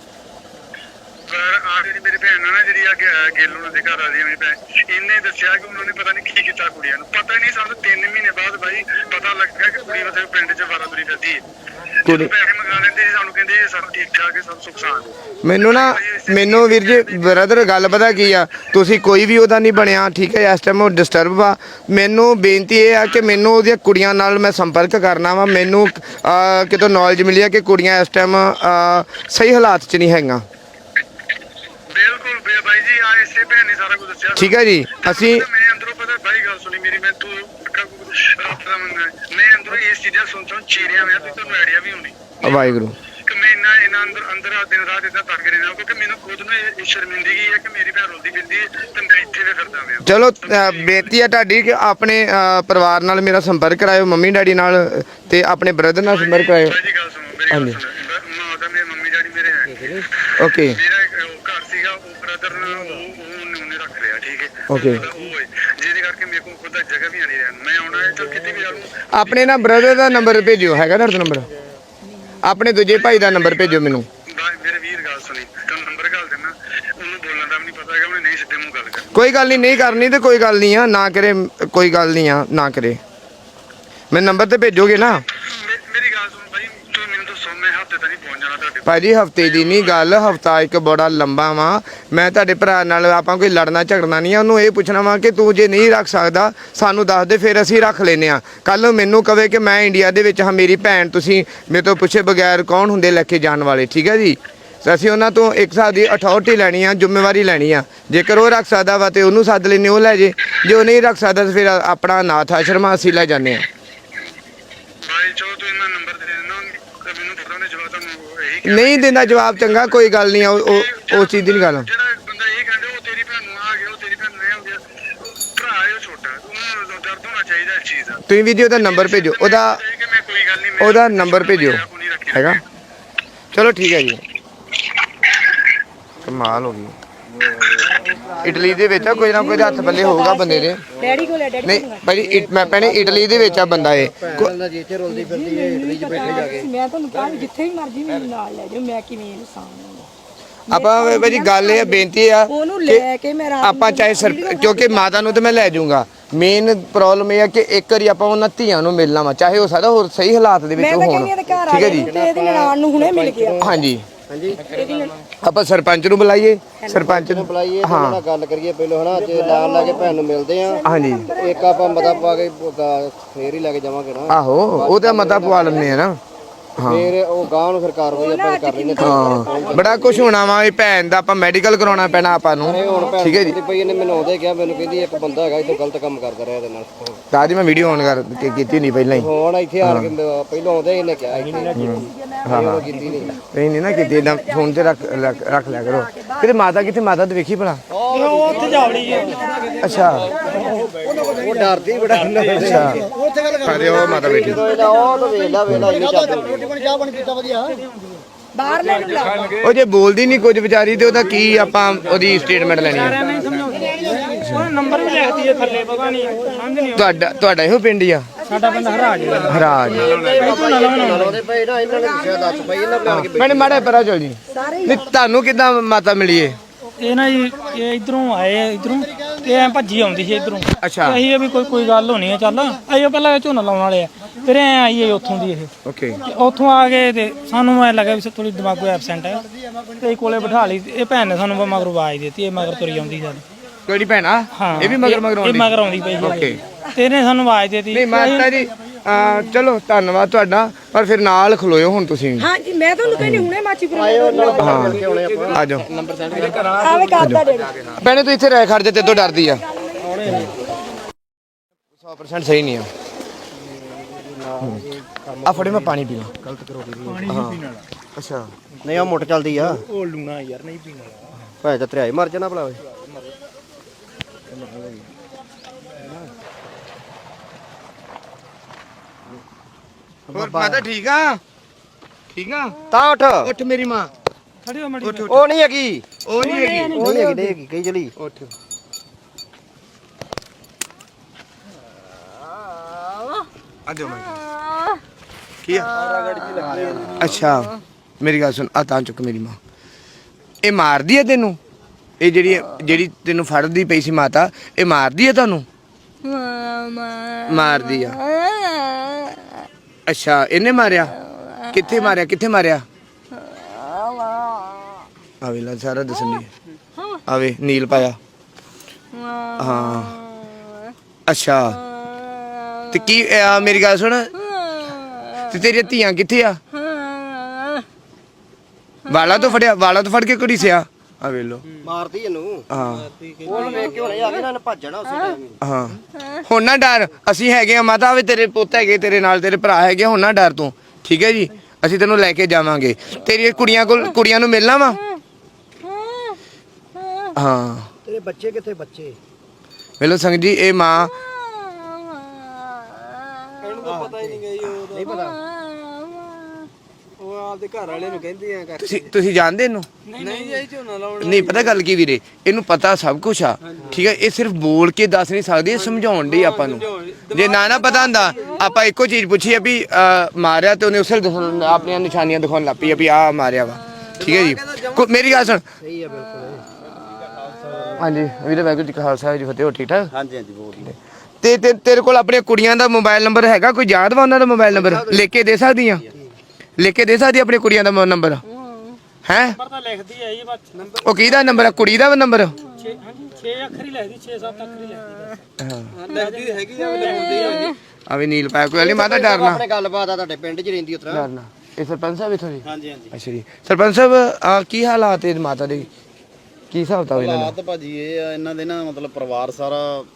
[SPEAKER 7] ਪਰ ਆ ਜਿਹੜੀ ਮੇਰੀ ਭੈਣ ਆ ਨਾ, ਜਿਹੜੀ ਆ ਗਿੱਲ ਉਹਨਾਂ ਦੇ ਘਰ ਆ ਰਹੀ ਮੇਰੀ ਭੈਣ, ਇਹਨੇ ਦੱਸਿਆ ਕਿ ਉਹਨਾਂ ਨੇ ਪਤਾ ਨਹੀਂ ਕੀ ਕੀਤਾ ਕੁੜੀਆਂ ਨੂੰ। ਪਤਾ ਹੀ ਨਹੀਂ, ਸਾਨੂੰ 3 ਮਹੀਨੇ ਬਾਅਦ ਬਾਈ ਪਤਾ ਲੱਗਾ ਕਿ ਕੁੜੀ ਉੱਥੇ ਪਿੰਡ 'ਚ ਵਾਰਾ ਤੁਰੀ ਫਿਰਦੀ ਹੈ। ਕੁੜੀ ਪੈਸੇ ਮੰਗਾ ਲੈਂਦੇ ਸੀ, ਸਾਨੂੰ ਕਹਿੰਦੇ ਸਭ ਠੀਕ ਠਾਕ ਹੈ, ਸਭ ਸੁੱਖ ਸਾਂਦ ਹੈ।
[SPEAKER 1] ਮੈਨੂੰ ਵੀਰ ਜੀ ਬ੍ਰਦਰ ਗੱਲ ਪਤਾ ਕੀ ਆ, ਤੁਸੀਂ ਕੋਈ ਵੀ ਉਹਦਾ ਨਹੀਂ ਬਣਿਆ, ਠੀਕ ਹੈ, ਇਸ ਟਾਈਮ ਉਹ ਡਿਸਟਰਬ ਆ। ਮੈਨੂੰ ਬੇਨਤੀ ਇਹ ਆ ਕਿ ਮੈਨੂੰ ਉਹਦੀਆਂ ਕੁੜੀਆਂ ਨਾਲ ਮੈਂ ਸੰਪਰਕ ਕਰਨਾ ਵਾ। ਮੈਨੂੰ ਕਿਤੋਂ ਨੌਲੇਜ ਮਿਲੀ ਆ ਕਿ ਕੁੜੀਆਂ ਇਸ ਟਾਈਮ ਸਹੀ ਹਾਲਾਤ 'ਚ ਨਹੀਂ ਹੈਗੀਆਂ।
[SPEAKER 7] ਬਿਲਕੁਲ ਬਾਈ ਜੀ, ਆ ਇਸੇ ਭੈਣ ਨੇ ਸਾਰਾ ਕੁਝ ਦੱਸਿਆ।
[SPEAKER 1] ਠੀਕ ਹੈ ਜੀ, ਅਸੀਂ
[SPEAKER 7] ਮੈਂ ਅੰਦਰੋਂ ਪਤਾ ਬਾਈ ਗੱਲ ਸੁਣੀ ਮੇਰੀ, ਮੈਂ ਤੂੰ ਰੱਬ ਦਾ ਮੰਨਣਾ, ਮੈਂ ਅੰਦਰੋਂ ਇਸ ਚੀਜ਼ਾਂ ਸੁਣ ਚੀਰਿਆ ਹੋਇਆ ਤੇ ਤੁਹਾਨੂੰ ਆਈਡੀਆ ਵੀ ਹੋਣੀ
[SPEAKER 1] ਵਾਹਿਗੁਰੂ
[SPEAKER 7] ਕਿ ਮੈਂ ਇਹਨਾਂ ਅੰਦਰ ਦਿਨ ਰਾਤ ਇਦਾਂ ਤੜਕ ਰਿਹਾ, ਕਿਉਂਕਿ ਮੈਨੂੰ ਖੁਦ ਨੂੰ ਇਹ ਸ਼ਰਮਿੰਦਗੀ ਹੈ ਕਿ ਮੇਰੀ ਭੈਣ ਰੋਂਦੀ ਫਿਰਦੀ ਤੇ ਮੈਂ ਇੱਥੇ ਵੀ ਫਿਰਦਾ ਪਿਆ।
[SPEAKER 1] ਚਲੋ ਬੇਨਤੀ ਆ ਤੁਹਾਡੀ ਕਿ ਆਪਣੇ ਪਰਿਵਾਰ ਨਾਲ ਮੇਰਾ ਸੰਪਰਕ ਕਰਾਇਓ, ਮੰਮੀ ਡੈਡੀ ਨਾਲ ਤੇ ਆਪਣੇ ਬ੍ਰਦਰ ਨਾਲ ਸੰਪਰਕ ਕਰਾਇਓ।
[SPEAKER 7] ਬਾਈ ਜੀ ਗੱਲ ਸੁਣੋ, ਮੇਰੀ ਗੱਲ ਸੁਣੋ, ਮੇਰੇ ਮੰਮੀ ਡੈਡੀ ਮੇਰੇ ਹੈ,
[SPEAKER 1] ਓਕੇ
[SPEAKER 7] ਮੇਰਾ ਘਰ ਸੀਗਾ, ਉਹ ਬ੍ਰਦਰ ਉਹਨੇ ਰੱਖ ਲਿਆ। ਠੀਕ ਹੈ,
[SPEAKER 1] ਓਕੇ,
[SPEAKER 7] ਜਿਹਦੇ ਕਰਕੇ ਮੇਰੇ ਕੋਲ ਖੁਦ ਦਾ ਜਗ੍ਹਾ ਵੀ ਨਹੀਂ ਰਹਿਣ, ਮੈਂ ਆਉਣਾ ਹੈ ਚਲ ਕਿਤੇ ਵੀ ਆਉਂ।
[SPEAKER 1] ਆਪਣੇ ਨਾ ਬ੍ਰਦਰ ਦਾ ਨੰਬਰ ਭੇਜਿਓ, ਹੈਗਾ ਤੁਹਾਡਾ ਨੰਬਰ? ਆਪਣੇ ਦੂਜੇ ਭਾਈ ਦਾ ਨੰਬਰ ਭੇਜਿਓ ਮੈਨੂੰ।
[SPEAKER 7] ਮੇਰੇ ਵੀਰ ਗੱਲ ਸੁਣੀ, ਤੁਹਾਨੂੰ ਨੰਬਰ ਗੱਲ ਦੇਣਾ,
[SPEAKER 1] ਕੋਈ ਗੱਲ ਨਹੀਂ ਕਰਨੀ ਤੇ ਕੋਈ ਗੱਲ ਨਹੀਂ ਆ, ਨਾ ਕਰੇ ਕੋਈ ਗੱਲ ਨਹੀਂ ਆ, ਨਾ ਕਰੇ। ਮੈਂ ਨੰਬਰ ਤੇ ਭੇਜੋਗੇ ਨਾ?
[SPEAKER 7] ਮੇਰੀ ਗੱਲ ਸੁਣ ਭਾਈ, ਤੂੰ ਮੈਨੂੰ ਦੱਸੋ ਮੈਂ ਹਫਤੇ ਤੱਕ ਪਹੁੰਚ ਜਾਣਾ ਤੁਹਾਡੇ
[SPEAKER 1] ਭਾਜੀ ਹਫਤੇ ਦੀ ਨਹੀਂ ਗੱਲ, ਹਫਤਾ ਇੱਕ ਬੜਾ ਲੰਬਾ ਵਾ। ਮੈਂ ਤੁਹਾਡੇ ਭਰਾ ਨਾਲ ਆਪਾਂ ਕੋਈ ਲੜਨਾ ਝਗੜਨਾ ਨਹੀਂ ਆ। ਉਹਨੂੰ ਇਹ ਪੁੱਛਣਾ ਵਾ ਕਿ ਤੂੰ ਜੇ ਨਹੀਂ ਰੱਖ ਸਕਦਾ ਸਾਨੂੰ ਦੱਸ ਦੇ, ਫਿਰ ਅਸੀਂ ਰੱਖ ਲੈਨੇ ਆ। ਕੱਲ ਨੂੰ ਮੈਨੂੰ ਕਵੇ ਕਿ ਮੈਂ ਇੰਡੀਆ ਦੇ ਵਿੱਚ ਹਾਂ, ਮੇਰੀ ਭੈਣ, ਤੁਸੀਂ ਮੇਰੇ ਤੋਂ ਪੁੱਛੇ ਬਗੈਰ ਕੌਣ ਹੁੰਦੇ ਲੈ ਕੇ ਜਾਣ ਵਾਲੇ, ਠੀਕ ਹੈ ਜੀ। ਤੇ ਅਸੀਂ ਉਹਨਾਂ ਤੋਂ ਇੱਕ ਹਿਸਾਬ ਦੀ ਅਥਾਰਟੀ ਲੈਣੀ ਆ, ਜ਼ਿੰਮੇਵਾਰੀ ਲੈਣੀ ਆ। ਜੇਕਰ ਉਹ ਰੱਖ ਸਕਦਾ ਵਾ ਤੇ ਉਹਨੂੰ ਸੱਦ ਲੈਨੇ, ਉਹ ਲੈ ਜੇ। ਜੇ ਉਹ ਨਹੀਂ ਰੱਖ ਸਕਦਾ ਤਾਂ ਫਿਰ ਆਪਣਾ ਅਨਾਥ ਆਸ਼ਰਮ ਅਸੀਂ ਲੈ ਜਾਂਦੇ ਆ।
[SPEAKER 7] ਭਾਈ ਚਲੋ ਤੂੰ ਇਹਨਾਂ ਨੰਬਰ ਦੇ ਦੇਣਾ, ਮੈਨੂੰ ਪਤਾ ਨਹੀਂ ਜਵਾਬ ਤੁਹਾਨੂੰ ਇਹੀ
[SPEAKER 1] ਨਹੀਂ ਦਿੰਦਾ ਜਵਾਬ, ਚੰਗਾ ਕੋਈ ਗੱਲ ਨਹੀਂ ਆ, ਉਹ ਚੀਜ਼ ਦੀ ਨਹੀਂ ਗੱਲ।
[SPEAKER 7] ਜਿਹੜਾ ਬੰਦਾ ਇਹ ਕਹਿੰਦਾ ਉਹ ਤੇਰੀ ਭੈਣ ਨੂੰ ਆ ਗਿਆ, ਉਹ ਤੇਰੀ ਭੈਣ ਨੂੰ ਇਹ ਹੋ ਗਿਆ, ਭਰਾ ਹੈ ਉਹ ਛੋਟਾ, ਉਹਨੂੰ ਦਰਦ ਹੋਣਾ ਚਾਹੀਦਾ ਇਸ ਚੀਜ਼ ਦਾ।
[SPEAKER 1] ਤੁਸੀਂ ਵੀਡੀਓ ਦਾ ਨੰਬਰ ਭੇਜੋ, ਉਹਦਾ
[SPEAKER 7] ਕਿ ਮੈਂ ਕੋਈ ਗੱਲ ਨਹੀਂ,
[SPEAKER 1] ਉਹਦਾ ਨੰਬਰ ਭੇਜਿਓ, ਹੈਗਾ। ਚਲੋ ਠੀਕ ਹੈ ਜੀ। ਕਮਾਲ ਹੋ ਗਈ। ਇਟਲੀ ਦੇ ਵਿੱਚ ਆ, ਕੋਈ ਨਾ ਕੋਈ ਹੱਥ ਪੱਲੇ ਹੋਊਗਾ ਬੰਦੇ ਦੇ।
[SPEAKER 2] ਡੈਡੀ ਕੋਲ ਹੈ, ਡੈਡੀ
[SPEAKER 1] ਨਹੀਂ ਭਾਜੀ ਮੈਂ ਭੈਣੇ ਇਟਲੀ ਦੇ ਵਿੱਚ ਆ ਬੰਦਾ ਇਹ।
[SPEAKER 3] ਜਿੱਥੇ ਰੋਲਦੀ ਫਿਰਦੀ ਹੈ ਇਟਲੀ 'ਚ ਬੈਠੇ ਜਾ ਕੇ।
[SPEAKER 2] ਮੈਂ ਤੁਹਾਨੂੰ ਕਿਹਾ ਜਿੱਥੇ ਵੀ ਮਰਜ਼ੀ ਮੈਨੂੰ ਨਾਲ ਲੈ ਜਾਓ, ਮੈਂ ਕਿਵੇਂ ਇਹਨੂੰ ਸਾਹਮਣੇ
[SPEAKER 1] ਆਪਾਂ ਭਾਜੀ ਗੱਲ ਇਹ ਬੇਨਤੀ ਆ
[SPEAKER 2] ਉਹਨੂੰ ਲੈ ਕੇ ਮੈਂ ਰਾਤ
[SPEAKER 1] ਆਪਾਂ ਚਾਹੇ ਕਿਉਂਕਿ ਮਾਤਾ ਨੂੰ ਤੇ ਮੈਂ ਲੈ ਜਾਊਂਗਾ। ਮੇਨ ਪ੍ਰੋਬਲਮ ਇਹ ਆ ਕਿ ਇੱਕ ਵਾਰੀ ਆਪਾਂ ਉਹਨਾਂ ਧੀਆਂ ਨੂੰ ਮਿਲਣਾ ਵਾ, ਚਾਹੇ ਹੋ ਸਕਦਾ ਹੋਰ ਸਹੀ ਹਾਲਾਤ ਦੇ ਵਿੱਚ
[SPEAKER 2] ਮੈਂ ਤਾਂ
[SPEAKER 1] ਹੋਣ,
[SPEAKER 2] ਕਹਿੰਦੀ ਇਹਦੇ ਘਰ ਆ
[SPEAKER 1] ਠੀਕ ਹੈ ਜੀ।
[SPEAKER 2] ਤੇ ਇਹਦੀ ਨਨਾਣ ਨੂੰ ਹੁਣੇ ਮਿਲ ਗਿਆ।
[SPEAKER 1] ਹਾਂਜੀ
[SPEAKER 3] ਹਾਂਜੀ
[SPEAKER 1] ਆਪਾਂ ਸਰਪੰਚ ਨੂੰ ਬੁਲਾਈਏ, ਸਰਪੰਚ ਨੂੰ
[SPEAKER 3] ਬੁਲਾਈਏ, ਉਹਨਾਂ ਨਾਲ ਗੱਲ ਕਰੀਏ ਪਹਿਲਾਂ ਹਨਾ। ਜੇ ਲਾਣ ਲਾ ਕੇ ਭੈਣ ਨੂੰ ਮਿਲਦੇ ਆ,
[SPEAKER 1] ਹਾਂਜੀ
[SPEAKER 3] ਇੱਕ ਆਪਾਂ ਮਤਾ ਪਾ ਕੇ ਫੇਰ ਹੀ ਲੈ ਕੇ ਜਾਵਾਂਗੇ ਨਾ।
[SPEAKER 1] ਆਹੋ ਉਹ ਤਾਂ ਮਤਾ ਪਵਾ ਲੈਂਦੇ ਆ ਨਾ।
[SPEAKER 3] ਫੇਰ ਉਹ ਗਾਂ ਨੂੰ ਫਿਰ ਕਾਰਵਾਈ ਆਪਾਂ ਕਰ ਲੈਣੇ।
[SPEAKER 1] ਹਾਂ ਬੜਾ ਕੁਝ ਹੋਣਾ ਵਾ। ਇਹ ਭੈਣ ਦਾ ਆਪਾਂ ਮੈਡੀਕਲ ਕਰਾਉਣਾ ਪੈਣਾ ਆਪਾਂ ਨੂੰ, ਠੀਕ ਹੈ ਜੀ।
[SPEAKER 3] ਭਈ ਇਹਨੇ ਮੈਨੂੰ ਆਉਂਦੇ ਕਿਹਾ, ਮੈਨੂੰ ਕਹਿੰਦੀ ਇੱਕ ਬੰਦਾ ਹੈਗਾ ਇੱਥੇ ਗਲਤ ਕੰਮ ਕਰਦਾ ਰਿਹਾ ਇਹਦੇ ਨਾਲ।
[SPEAKER 1] ਤਾਂ ਜੀ ਮੈਂ ਵੀਡੀਓ ਔਨ ਕਰ ਕੀਤੀ ਨਹੀਂ ਪਹਿਲਾਂ ਹੀ।
[SPEAKER 3] ਹੁਣ ਇੱਥੇ ਆ ਕੇ ਪਹਿਲਾਂ ਆਉਂਦੇ ਇਹਨੇ ਕਿਹਾ ਇੱਥੇ ਹਾਂ ਕੀਤੀ ਨਹੀਂ।
[SPEAKER 1] ਨਹੀਂ ਨਾ ਕੀਤੀ, ਏਦਾਂ ਫੋਨ ਤੇ ਰੱਖ ਲਿਆ ਕਰੋ। ਕਿਤੇ ਮਾਤਾ ਕਿੱਥੇ? ਮਾਤਾ ਤੇ ਵੇਖੀ ਭਲਾ।
[SPEAKER 4] ਉਹ ਉੱਥੇ ਜਾਵੜੀ ਹੈ।
[SPEAKER 1] ਅੱਛਾ
[SPEAKER 3] ਉਹ ਡਰਦੀ ਬੜਾ।
[SPEAKER 1] ਅੱਛਾ ਅਰੇ ਉਹ ਮਾਤਾ ਬੈਠੀ।
[SPEAKER 3] ਉਹ ਤਾਂ ਵੇਲਾ ਵੇਲਾ ਇੰਨੀ ਚੱਲਦੀ।
[SPEAKER 2] ਬਾਹਰ ਲੈ ਕੇ ਲਾ।
[SPEAKER 1] ਉਹ ਜੇ ਬੋਲਦੀ ਨਹੀਂ ਕੁਝ ਵਿਚਾਰੀ ਤੇ ਉਹਦਾ ਕੀ ਆਪਾਂ ਉਹਦੀ ਸਟੇਟਮੈਂਟ ਲੈਣੀ ਹੈ?
[SPEAKER 4] ਉਹ ਨੰਬਰ ਵੀ ਲਿਖਦੀ ਹੈ ਥੱਲੇ, ਪਤਾ ਨਹੀਂ ਸਮਝ ਨਹੀਂ।
[SPEAKER 1] ਤੁਹਾਡਾ ਇਹੋ ਪਿੰਡ ਹੀ ਆ?
[SPEAKER 4] ਸਾਡਾ ਪਿੰਡ ਹਰਾਜ ਹੈ।
[SPEAKER 1] ਹਰਾਜ।
[SPEAKER 3] ਲਾਉਂਦੇ ਪਏ ਨਾ, ਇਹਨਾਂ ਨੇ ਦੱਸਿਆ ਦੱਸ ਪਈ ਇਹਨਾਂ ਬਣਾ ਕੇ।
[SPEAKER 1] ਮੈਨੇ ਮਾੜਾ ਪਰਾ ਚਲ ਜੀ। ਨਹੀਂ ਤੁਹਾਨੂੰ ਕਿੱਦਾਂ ਮਾਤਾ ਮਿਲੀ ਏ?
[SPEAKER 4] ਇਹ ਨਾ ਜੀ ਇਹ ਇਧਰੋਂ ਆਏ, ਇਧਰੋਂ ਤੇ ਐ ਭੱਜੀ ਆਉਂਦੀ ਸੀ ਇਧਰੋਂ।
[SPEAKER 1] ਅੱਛਾ
[SPEAKER 4] ਅਸੀਂ ਵੀ ਕੋਈ ਗੱਲ ਹੋਣੀ ਹੈ, ਚੱਲ ਅਸੀਂ ਪਹਿਲਾਂ ਝੋਨਾ ਲਾਉਣ ਵਾਲੇ ਆ, ਫਿਰ ਐ ਆਈਏ ਉੱਥੋਂ ਦੀ ਇਹ।
[SPEAKER 1] ਓਕੇ
[SPEAKER 4] ਉੱਥੋਂ ਆ ਗਏ ਤੇ ਸਾਨੂੰ ਐ ਲੱਗਾ ਵੀ ਥੋੜੀ ਦਿਮਾਗੋ ਐਬਸੈਂਟ ਹੈ, ਤੇ ਕੋਲੇ ਬਿਠਾ ਲਈ। ਇਹ ਭੈਣ ਨੇ ਸਾਨੂੰ ਮਗਰ ਆਵਾਜ਼ ਦਿੱਤੀ, ਇਹ ਮਗਰ ਤੁਰੀ ਆਉਂਦੀ ਸਾਡੀ।
[SPEAKER 1] ਕਿਹੜੀ ਭੈਣ ਆ?
[SPEAKER 4] ਹਾਂ
[SPEAKER 1] ਇਹ ਵੀ ਮਗਰ
[SPEAKER 4] ਇਹ
[SPEAKER 1] ਆਉਂਦੀ?
[SPEAKER 4] ਮਗਰ ਆਉਂਦੀ ਪਈ
[SPEAKER 1] ਓਕੇ
[SPEAKER 4] ਤੇ ਇਹਨੇ ਸਾਨੂੰ ਆਵਾਜ਼ ਦਿੱਤੀ।
[SPEAKER 1] ਨਹੀਂ ਮਾਤਾ ਜੀ ਚਲੋ ਧੰਨਵਾਦ ਤੁਹਾਡਾ, ਪਰ ਫਿਰ ਨਾਲ ਖਲੋਇਓ ਹੁਣ ਤੁਸੀਂ।
[SPEAKER 2] ਹਾਂਜੀ ਮੈਂ ਤੁਹਾਨੂੰ ਕਹਿੰਦੀ ਹੁਣੇ ਮਾਚੀਪੁਰ
[SPEAKER 1] ਹਾਂ ਆ ਜਾਓ।
[SPEAKER 2] ਆਵੇ ਕਰਦਾ ਡੈਡੀ।
[SPEAKER 1] ਭੈਣੇ ਤੂੰ ਇੱਥੇ ਰਹਿ ਖੜ ਜਾ, ਤੇਰੇ ਤੋਂ ਡਰਦੀ ਆ। 100% ਸਹੀ ਨਹੀਂ ਆ। ਆ ਫੜੇ ਮੈਂ ਪਾਣੀ ਪੀਣਾ।
[SPEAKER 3] ਗਲਤ ਕਰੋ
[SPEAKER 4] ਪਾਣੀ ਨਹੀਂ ਪੀਣ ਵਾਲਾ।
[SPEAKER 1] ਅੱਛਾ
[SPEAKER 3] ਨਹੀਂ ਉਹ ਮੁੱਟ ਚੱਲਦੀ ਆ।
[SPEAKER 4] ਉਹ ਲੂਣਾ ਯਾਰ ਨਹੀਂ ਪੀਣ ਵਾਲਾ।
[SPEAKER 3] ਭਾਵੇਂ ਤਾਂ ਤੇਰਾ ਹੀ ਮਰ ਜਾਣਾ ਭਲਾ।
[SPEAKER 1] ਹੋਰ ਮਾਤਾ ਠੀਕ ਆ? ਠੀਕ ਆ?
[SPEAKER 3] ਤਾਂ ਉੱਠ।
[SPEAKER 1] ਉੱਠ ਮੇਰੀ ਮਾਂ।
[SPEAKER 4] ਖੜੀ ਹੋ ਮੜੀ।
[SPEAKER 3] ਉਹ ਨਹੀਂ ਹੈਗੀ,
[SPEAKER 1] ਉਹ ਨਹੀਂ ਹੈਗੀ।
[SPEAKER 3] ਉਹ ਨਹੀਂ ਹੈਗੀ, ਹੈਗੀ ਕਹੀ ਚਲੀ।
[SPEAKER 1] ਉੱਠ। ਆ ਜਾਓ ਮੈਂ ਕੀ ਆ? ਅੱਛਾ ਮੇਰੀ ਗੱਲ ਸੁਣ, ਆ ਤਾਂ ਚੁੱਕ ਮੇਰੀ ਮਾਂ। ਇਹ ਮਾਰਦੀ ਆ ਤੈਨੂੰ? ਇਹ ਜਿਹੜੀ ਤੈਨੂੰ ਫੜਦੀ ਪਈ ਸੀ ਮਾਤਾ, ਇਹ ਮਾਰਦੀ ਆ ਤੁਹਾਨੂੰ? ਮਾਰਦੀ ਆ। ਅੱਛਾ ਇਹਨੇ ਮਾਰਿਆ? ਕਿੱਥੇ ਮਾਰਿਆ? ਕਿੱਥੇ ਮਾਰਿਆ? ਆਵੇ ਲਾ ਸਾਰਾ ਦੱਸਣੀ। ਆਵੇ ਨੀਲ ਪਾਇਆ। ਹਾਂ ਅੱਛਾ ਤੇ ਕੀ ਮੇਰੀ ਗੱਲ ਸੁਣ, ਤੇ ਤੇਰੀਆਂ ਧੀਆਂ ਕਿੱਥੇ ਆ? ਵਾਲਾ ਤੋਂ ਫੜ ਕੇ ਕੁੜੀ ਸਿਆ। ਆ ਵੇ ਲੋ
[SPEAKER 3] ਮਾਰਦੀ ਇਹਨੂੰ।
[SPEAKER 1] ਹਾਂ
[SPEAKER 3] ਉਹਨੂੰ ਵੇਖ ਕੇ ਹੁਣੇ ਆ ਕੇ ਨਾ ਭੱਜਣਾ ਉਸੇ ਟਾਈਮ ਹੀ।
[SPEAKER 1] ਹਾਂ ਹੁਣ ਨਾ ਡਰ, ਅਸੀਂ ਹੈਗੇ ਆ ਮਾਤਾ। ਵੇ ਤੇਰੇ ਪੁੱਤ ਹੈਗੇ ਤੇਰੇ ਨਾਲ, ਤੇਰੇ ਭਰਾ ਹੈਗੇ, ਹੁਣ ਨਾ ਡਰ ਤੂੰ, ਠੀਕ ਹੈ ਜੀ। ਅਸੀਂ ਤੈਨੂੰ ਲੈ ਕੇ ਜਾਵਾਂਗੇ। ਤੇਰੀ ਕੁੜੀਆਂ ਨੂੰ ਮਿਲਣਾ ਵਾ। ਹਾਂ
[SPEAKER 3] ਤੇਰੇ ਬੱਚੇ ਕਿੱਥੇ? ਬੱਚੇ
[SPEAKER 1] ਵੇਲੋ ਸੰਗ ਜੀ, ਇਹ ਮਾਂ
[SPEAKER 3] ਇਹਨੂੰ ਤਾਂ ਪਤਾ ਹੀ ਨਹੀਂ ਗਈ। ਉਹ ਨਹੀਂ ਪਤਾ, ਉਹ ਆਪਦੇ ਘਰ ਵਾਲੇ ਨੂੰ ਕਹਿੰਦੀ ਆ ਕਰ।
[SPEAKER 1] ਤੁਸੀਂ ਜਾਣਦੇ ਇਹਨੂੰ?
[SPEAKER 3] ਨਹੀਂ ਜਾਈ ਝੋਨਾ ਲਾਉਣ।
[SPEAKER 1] ਨਹੀਂ ਪਤਾ ਗੱਲ ਕੀ ਵੀਰੇ, ਇਹਨੂੰ ਪਤਾ ਸਭ ਕੁਝ ਆ, ਠੀਕ ਹੈ। ਇਹ ਸਿਰਫ ਬੋਲ ਕੇ ਦੱਸ ਨਹੀਂ ਸਕਦੀ, ਇਹ ਸਮਝਾਉਣ ਦੀ ਆਪਾਂ ਨੂੰ। ਜੇ ਨਾ ਪਤਾ ਹੁੰਦਾ ਆਪਾਂ ਇੱਕੋ ਚੀਜ਼ ਪੁੱਛੀ ਆ ਵੀ ਮਾਰਿਆ, ਤੇ ਉਹਨੇ ਉਸੇ ਆਪਣੀਆਂ ਨਿਸ਼ਾਨੀਆਂ ਦਿਖਾਉਣ ਲੱਗ ਪਈ ਆ ਵੀ ਆਹ ਮਾਰਿਆ ਵਾ, ਠੀਕ ਹੈ ਜੀ। ਮੇਰੀ ਗੱਲ ਸੁਣ,
[SPEAKER 3] ਸਹੀ ਆ ਬਿਲਕੁਲ।
[SPEAKER 1] ਹਾਂਜੀ ਵੀਰੇ ਵਾਹਿਗੁਰੂ ਜੀ ਕਾ ਖਾਲਸਾ ਜੀ ਫਤਿਹ। ਹੋ ਠੀਕ ਠਾਕ?
[SPEAKER 3] ਹਾਂਜੀ ਹਾਂਜੀ ਬਹੁਤ ਵਧੀਆ।
[SPEAKER 1] ਤੇ ਤੇਰੇ ਕੋਲ ਆਪਣੀਆਂ ਕੁੜੀਆਂ ਦਾ ਮੋਬਾਈਲ ਨੰਬਰ ਹੈਗਾ? ਕੋਈ ਯਾਦ ਵਾ ਉਹਨਾਂ ਦਾ ਮੋਬਾਈਲ ਨੰਬਰ? ਲਿਖ ਕੇ ਦੇ ਸਕਦੀ ਆ? ਲਿਖ ਕੇ ਦੇ ਸਕਦੀ ਆਪਣੀ ਕੁੜੀਆਂ ਦਾ ਨੰਬਰ? ਹੈ
[SPEAKER 4] ਨੰਬਰ ਤਾਂ ਲਿਖਦੀ ਹੈ ਜੀ ਬਸ।
[SPEAKER 1] ਉਹ ਕਿਹਦਾ ਨੰਬਰ ਆ? ਕੁੜੀ ਦਾ ਨੰਬਰ?
[SPEAKER 4] 6 ਅੱਖਰ ਹੀ ਲਿਖਦੀ, 6-7 ਅੱਖਰ ਹੀ ਲਿਖਦੀ।
[SPEAKER 3] ਹਾਂ ਲੱਗਦੀ ਹੈਗੀ ਆ ਲਿਖਦੀ ਆ।
[SPEAKER 1] ਆ ਵੀ ਨੀਲ ਪਾਇਆ ਕੋਈ ਨਹੀਂ ਮਾਤਾ ਡਰਨਾ
[SPEAKER 3] ਆਪਣੇ ਗੱਲਬਾਤ ਆ ਤੁਹਾਡੇ ਪਿੰਡ 'ਚ ਰਹਿੰਦੀ ਉਤਰਾ।
[SPEAKER 1] ਡਰਨਾ। ਇਹ ਸਰਪੰਚ ਸਾਹਿਬ ਇੱਥੋਂ ਜੀ?
[SPEAKER 3] ਹਾਂਜੀ ਹਾਂਜੀ।
[SPEAKER 1] ਅੱਛਾ ਜੀ ਸਰਪੰਚ ਸਾਹਿਬ ਕੀ ਹਾਲਾਤ ਹੈ ਮਾਤਾ ਦੇ? ਕੀ ਹਿਸਾਬ ਤਾਂ ਇਹਨਾਂ ਦਾ?
[SPEAKER 8] ਹਾਲਾਤ ਭਾਜੀ ਇਹ ਆ ਇਹਨਾਂ ਦੇ ਨਾ ਮਤਲਬ ਪਰਿਵਾਰ ਸਾਰਾ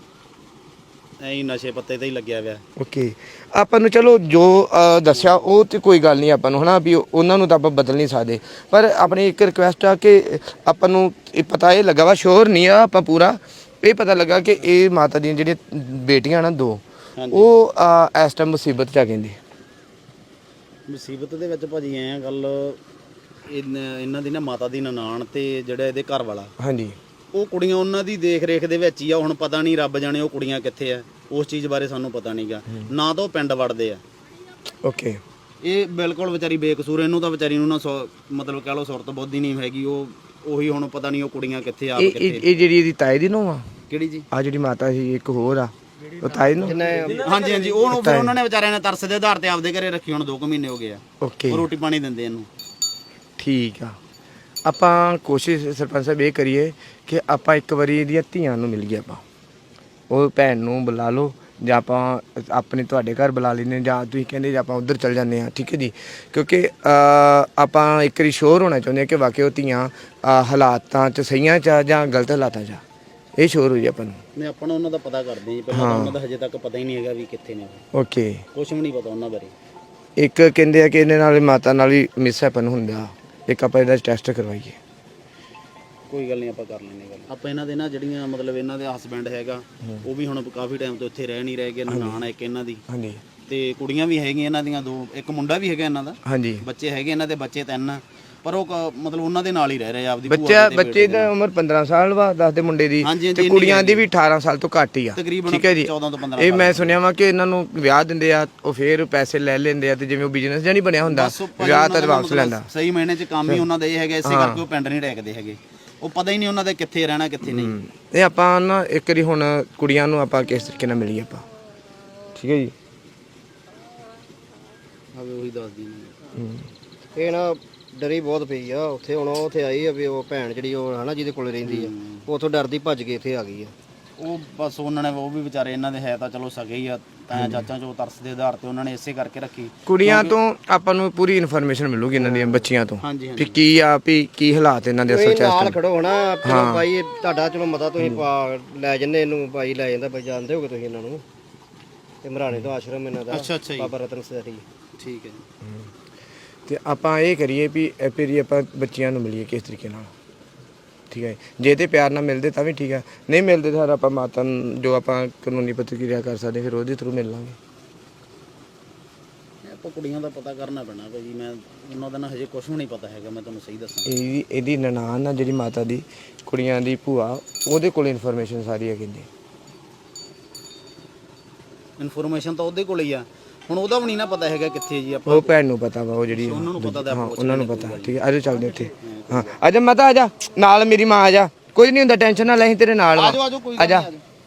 [SPEAKER 8] ਐਂ ਹੀ ਨਸ਼ੇ ਪੱਤੇ ਤੇ ਹੀ ਲੱਗਿਆ ਹੋਇਆ।
[SPEAKER 1] ਓਕੇ ਆਪਾਂ ਨੂੰ ਚਲੋ ਜੋ ਦੱਸਿਆ ਉਹ ਤੇ ਕੋਈ ਗੱਲ ਨਹੀਂ ਆਪਾਂ ਨੂੰ ਹਨਾ ਵੀ ਉਹਨਾਂ ਨੂੰ ਤਾਂ ਆਪਾਂ ਬਦਲ ਨਹੀਂ ਸਕਦੇ, ਪਰ ਆਪਣੀ ਇੱਕ ਰਿਕੁਐਸਟ ਆ ਕਿ ਆਪਾਂ ਨੂੰ ਇਹ ਪਤਾ ਇਹ ਲੱਗਾ ਵਾ, ਸ਼ੋਰ ਨਹੀਂ ਆ ਆਪਾਂ ਪੂਰਾ, ਇਹ ਪਤਾ ਲੱਗਾ ਕਿ ਇਹ ਮਾਤਾ ਦੀਆਂ ਜਿਹੜੀਆਂ ਬੇਟੀਆਂ ਨਾ ਦੋ, ਉਹ ਇਸ ਟਾਈਮ ਮੁਸੀਬਤ 'ਚ ਆ ਕਹਿੰਦੇ।
[SPEAKER 8] ਮੁਸੀਬਤ ਦੇ ਵਿੱਚ ਭਾਜੀ ਐਂ ਗੱਲ ਇਹਨਾਂ ਦੀ ਨਾ ਮਾਤਾ ਦੀ ਨਨਾਣ ਤੇ ਜਿਹੜਾ ਇਹਦੇ ਘਰ ਵਾਲਾ,
[SPEAKER 1] ਹਾਂਜੀ,
[SPEAKER 8] ਉਹ ਕੁੜੀਆਂ ਉਹਨਾਂ ਦੀ ਦੇਖ ਰੇਖ ਦੇ ਵਿੱਚ ਹੀ ਆ। ਹੁਣ ਪਤਾ ਨਹੀਂ ਰੱਬ ਜਾਣੇ ਉਹ ਕੁੜੀਆਂ ਕਿੱਥੇ ਆ, ਉਸ ਚੀਜ਼ ਬਾਰੇ ਸਾਨੂੰ ਪਤਾ ਨਹੀਂਗਾ। ਨਾ ਤਾਂ ਉਹ ਪਿੰਡ ਵੜਦੇ ਆ।
[SPEAKER 1] ਓਕੇ
[SPEAKER 8] ਇਹ ਬਿਲਕੁਲ ਵਿਚਾਰੀ ਬੇਕਸੂਰ, ਇਹਨੂੰ ਤਾਂ ਵਿਚਾਰੀ ਨੂੰ ਨਾ ਮਤਲਬ ਕਹਿ ਲਓ ਸੁਰਤ ਬੁੱਧੀ ਨਹੀਂ ਹੈਗੀ। ਉਹ ਉਹੀ ਹੁਣ ਪਤਾ ਨਹੀਂ ਉਹ ਕੁੜੀਆਂ ਕਿੱਥੇ ਆ ਕਿੱਥੇ।
[SPEAKER 1] ਇਹ ਜਿਹੜੀ ਇਹਦੀ ਤਾਏ ਦੀ ਨੂੰਹ ਆ?
[SPEAKER 8] ਕਿਹੜੀ ਜੀ?
[SPEAKER 1] ਆ ਜਿਹੜੀ ਮਾਤਾ ਸੀ ਇੱਕ ਹੋਰ ਆ, ਉਹ ਤਾਏ ਨੂੰ?
[SPEAKER 8] ਹਾਂਜੀ ਹਾਂਜੀ। ਉਹ ਫਿਰ ਉਹਨਾਂ ਨੇ ਵਿਚਾਰਿਆਂ ਨੇ ਤਰਸ ਦੇ ਆਧਾਰ ਤੇ ਆਪਦੇ ਘਰੇ ਰੱਖੀ। ਹੁਣ 2 ਮਹੀਨੇ ਹੋ ਗਏ ਆ।
[SPEAKER 1] ਓਕੇ
[SPEAKER 8] ਉਹ ਰੋਟੀ ਪਾਣੀ ਦਿੰਦੇ ਇਹਨੂੰ।
[SPEAKER 1] ਠੀਕ ਆ। ਆਪਾਂ ਕੋਸ਼ਿਸ਼ ਸਰਪੰਚ ਸਾਹਿਬ ਇਹ ਕਰੀਏ ਕਿ ਆਪਾਂ ਇੱਕ ਵਾਰੀ ਇਹਦੀਆਂ ਧੀਆਂ ਨੂੰ ਮਿਲ ਗਏ, ਆਪਾਂ ਉਹ ਭੈਣ ਨੂੰ ਬੁਲਾ ਲਓ ਜਾਂ ਆਪਾਂ ਆਪਣੇ ਤੁਹਾਡੇ ਘਰ ਬੁਲਾ ਲੈਂਦੇ ਜਾਂ ਤੁਸੀਂ ਕਹਿੰਦੇ ਜਾਂ ਆਪਾਂ ਉੱਧਰ ਚੱਲ ਜਾਂਦੇ ਹਾਂ, ਠੀਕ ਹੈ ਜੀ। ਕਿਉਂਕਿ ਆਪਾਂ ਇੱਕ ਵਾਰੀ ਸ਼ੋਰ ਹੋਣਾ ਚਾਹੁੰਦੇ ਹਾਂ ਕਿ ਵਾਕਿਆ ਉਹ ਧੀਆਂ ਹਾਲਾਤਾਂ 'ਚ ਸਹੀਆਂ 'ਚ ਜਾਂ ਗਲਤ ਹਾਲਾਤਾਂ 'ਚ ਆ, ਇਹ ਸ਼ੋਰ ਹੋ ਜੀ ਆਪਾਂ ਨੂੰ।
[SPEAKER 8] ਮੈਂ ਆਪਾਂ ਉਹਨਾਂ ਦਾ ਪਤਾ ਕਰਦੇ ਹਾਂ। ਪਹਿਲਾਂ ਤਾਂ ਉਹਨਾਂ ਦਾ ਹਜੇ ਤੱਕ ਪਤਾ ਹੀ ਨਹੀਂ ਹੈਗਾ ਵੀ ਕਿੱਥੇ ਨੇ।
[SPEAKER 1] ਓਕੇ
[SPEAKER 8] ਕੁਝ ਵੀ ਨਹੀਂ ਪਤਾ ਉਹਨਾਂ ਬਾਰੇ।
[SPEAKER 1] ਇੱਕ ਕਹਿੰਦੇ ਆ ਕਿ ਇਹਦੇ ਨਾਲ ਮਾਤਾ ਨਾਲ ਹੀ ਮਿਸਹੈਪਨ ਹੁੰਦਾ, ਇੱਕ ਆਪਾਂ ਇਹਦਾ ਟੈਸਟ ਕਰਵਾਈਏ।
[SPEAKER 8] ਕੋਈ ਗੱਲ ਨਹੀਂ, ਆਪਾਂ ਕਰ ਲੈਂਦੇ ਗੱਲ। ਆਪਾਂ ਇਹਨਾਂ ਦੇ ਨਾ ਜਿਹੜੀਆਂ ਮਤਲਬ ਇਹਨਾਂ ਦੇ ਹਸਬੈਂਡ ਹੈਗਾ, ਉਹ ਵੀ ਹੁਣ ਕਾਫੀ ਟਾਈਮ ਤੋਂ ਇੱਥੇ ਰਹਿ ਨਹੀਂ ਰਹੇ ਗਏ। ਨਨਾਣ ਇੱਕ ਇਹਨਾਂ ਦੀ,
[SPEAKER 1] ਹਾਂਜੀ,
[SPEAKER 8] ਤੇ ਕੁੜੀਆਂ ਵੀ ਹੈਗੀਆਂ ਇਹਨਾਂ ਦੀਆਂ 2, ਇੱਕ ਮੁੰਡਾ ਵੀ ਹੈਗਾ ਇਹਨਾਂ ਦਾ।
[SPEAKER 1] ਹਾਂਜੀ,
[SPEAKER 8] ਬੱਚੇ ਹੈਗੇ ਇਹਨਾਂ ਦੇ, ਬੱਚੇ 3, ਪਰ ਉਹ ਮਤਲਬ ਉਹਨਾਂ ਦੇ ਨਾਲ ਹੀ ਰਹਿ ਰਹੇ ਆਪਦੀ
[SPEAKER 1] ਬੱਚੇ ਦੀ ਉਮਰ 15 ਸਾਲ ਵਾ, ਦੱਸਦੇ ਮੁੰਡੇ ਦੀ, ਤੇ ਕੁੜੀਆਂ ਦੀ ਵੀ 18 ਸਾਲ ਤੋਂ ਘੱਟ ਹੀ ਆ, ਠੀਕ ਹੈ ਜੀ।
[SPEAKER 8] 14 ਤੋਂ 15
[SPEAKER 1] ਇਹ ਮੈਂ ਸੁਣਿਆ ਵਾ ਕਿ ਇਹਨਾਂ ਨੂੰ ਵਿਆਹ ਦਿੰਦੇ ਆ, ਉਹ ਫੇਰ ਪੈਸੇ ਲੈ ਲੈਂਦੇ ਆ, ਤੇ ਜਿਵੇਂ ਉਹ ਬਿਜ਼ਨਸ ਜਾਂ ਨਹੀਂ ਬਣਿਆ ਹੁੰਦਾ, ਵਿਆਹ ਤਾਂ ਵਾਪਸ ਲੈਂਦਾ।
[SPEAKER 8] ਸਹੀ ਮਹੀਨੇ 'ਚ ਕੰਮ ਹੀ ਉਹਨਾਂ ਦਾ ਇਹ ਹੈਗਾ, ਇਸੇ ਕਰਕੇ ਉਹ ਪਿੰਡ ਨਹੀਂ ਟੇਕਦੇ ਹੈਗੇ। ਉਹ ਪਤਾ ਹੀ ਨਹੀਂ ਉਹਨਾਂ ਦੇ ਕਿੱਥੇ ਰਹਿਣਾ ਕਿੱਥੇ ਨਹੀਂ।
[SPEAKER 1] ਇਹ ਆਪਾਂ ਨਾ ਇੱਕ ਵਾਰੀ ਹੁਣ ਕੁੜੀਆਂ ਨੂੰ ਆਪਾਂ ਕਿਸ ਤਰੀਕੇ ਨਾਲ ਮਿਲੀਏ ਆਪਾਂ, ਠੀਕ ਹੈ ਜੀ।
[SPEAKER 8] ਉਹੀ ਦੱਸਦੀ
[SPEAKER 3] ਇਹ ਨਾ ਡਰੀ ਬਹੁਤ ਪਈ ਆ ਉੱਥੇ। ਹੁਣ ਉੱਥੇ ਆਈ ਆ ਵੀ ਉਹ ਭੈਣ ਜਿਹੜੀ ਉਹ ਹਨਾ ਜਿਹਦੇ ਕੋਲ ਰਹਿੰਦੀ ਆ, ਉਹ ਉੱਥੋਂ ਡਰਦੀ ਭੱਜ ਕੇ ਇੱਥੇ ਆ ਗਈ ਆ।
[SPEAKER 8] ਉਹ ਬਸ ਉਹਨਾਂ ਨੇ, ਉਹ ਵੀ ਵਿਚਾਰੇ ਇਹਨਾਂ ਦੇ ਹੈ ਤਾਂ ਚਲੋ ਸਗੇ ਹੀ ਆ, ਤਾਂ ਚਾਚਾ ਚੋ ਤਰਸ ਦੇ ਆਧਾਰ ਤੇ ਉਹਨਾਂ ਨੇ ਇਸੇ ਕਰਕੇ ਰੱਖੀ।
[SPEAKER 1] ਕੁੜੀਆਂ ਤੋਂ ਆਪਾਂ ਨੂੰ ਪੂਰੀ ਇਨਫੋਰਮੇਸ਼ਨ ਮਿਲੂਗੀ ਇਹਨਾਂ ਦੀਆਂ ਬੱਚੀਆਂ ਤੋਂ,
[SPEAKER 8] ਹਾਂਜੀ
[SPEAKER 1] ਵੀ ਕੀ ਆ ਵੀ ਕੀ ਹਾਲਾਤ ਇਹਨਾਂ ਦੇ ਅਸਲ ਚ।
[SPEAKER 3] ਨਾਲ ਖੜੋ ਹਨਾ, ਚਲੋ ਭਾਈ ਤੁਹਾਡਾ ਚਲੋ ਮਤਾ ਤੁਸੀਂ ਲੈ ਜੰਨੇ ਇਹਨੂੰ, ਭਾਈ ਲੈ ਜਾਂਦਾ, ਭਾਈ ਜਾਣਦੇ ਹੋਗੇ ਤੁਸੀਂ ਇਹਨਾਂ ਨੂੰ। ਤੇ ਮਰਾਣੇ ਤੋਂ ਆਸ਼ਰਮ ਇਹਨਾਂ ਦਾ,
[SPEAKER 8] ਅੱਛਾ ਜੀ,
[SPEAKER 3] ਬਾਬਾ ਰਤਨ ਸਰੀ।
[SPEAKER 8] ਠੀਕ ਹੈ ਜੀ।
[SPEAKER 1] ਤੇ ਆਪਾਂ ਇਹ ਕਰੀਏ ਵੀ ਫਿਰ ਆਪਾਂ ਬੱਚੀਆਂ ਨੂੰ ਮਿਲੀਏ ਕਿਸ ਤਰੀਕੇ ਨਾਲ, ਠੀਕ ਹੈ। ਜੇ ਤੇ ਪਿਆਰ ਨਾਲ ਮਿਲਦੇ ਤਾਂ ਵੀ ਠੀਕ ਹੈ, ਨਹੀਂ ਮਿਲਦੇ ਤਾਂ ਆਪਾਂ ਮਾਤਾ ਨੂੰ ਜੋ ਆਪਾਂ ਕਾਨੂੰਨੀ ਪ੍ਰਤੀਕਿਰਿਆ ਕਰ ਸਕਦੇ ਫਿਰ ਉਹਦੇ ਥਰੂ ਮਿਲ ਲਾਂਗੇ।
[SPEAKER 8] ਆਪਾਂ ਕੁੜੀਆਂ ਦਾ ਪਤਾ ਕਰਨਾ ਪੈਣਾ ਭਾਜੀ। ਮੈਂ ਉਹਨਾਂ ਦਾ ਨਾ ਹਜੇ ਕੁਝ ਵੀ ਨਹੀਂ ਪਤਾ ਹੈਗਾ, ਮੈਂ ਤੁਹਾਨੂੰ ਸਹੀ ਦੱਸਾਂ।
[SPEAKER 1] ਇਹਦੀ ਨਨਾਣ ਆ ਜਿਹੜੀ ਮਾਤਾ ਦੀ, ਕੁੜੀਆਂ ਦੀ ਭੂਆ, ਉਹਦੇ ਕੋਲ ਇਨਫੋਰਮੇਸ਼ਨ ਸਾਰੀ ਹੈ ਕਹਿੰਦੇ।
[SPEAKER 8] ਇਨਫੋਰਮੇਸ਼ਨ ਤਾਂ ਉਹਦੇ ਕੋਲ ਹੀ ਆ। ਹੁਣ ਉਹਦਾ ਵੀ ਨਹੀਂ ਨਾ ਪਤਾ ਹੈਗਾ ਕਿੱਥੇ ਜੀ। ਆਪਾਂ
[SPEAKER 1] ਉਹ ਭੈਣ ਨੂੰ ਪਤਾ ਵਾ, ਉਹ ਜਿਹੜੀ
[SPEAKER 8] ਉਹਨਾਂ ਨੂੰ ਪਤਾ ਤਾਂ
[SPEAKER 1] ਹਾਂ ਉਹਨਾਂ ਨੂੰ ਪਤਾ, ਠੀਕ ਹੈ। ਆਜੋ ਚੱਲਦੇ ਉੱਥੇ। ਹਾਂ ਆਜਾ ਮਾਤਾ, ਆਜਾ ਨਾਲ, ਮੇਰੀ ਮਾਂ ਆਜਾ, ਕੁਝ ਨਹੀਂ ਹੁੰਦਾ, ਟੈਨਸ਼ਨ ਨਾ ਲੈ, ਅਸੀਂ ਤੇਰੇ ਨਾਲ ਵਾ। ਆਜਾ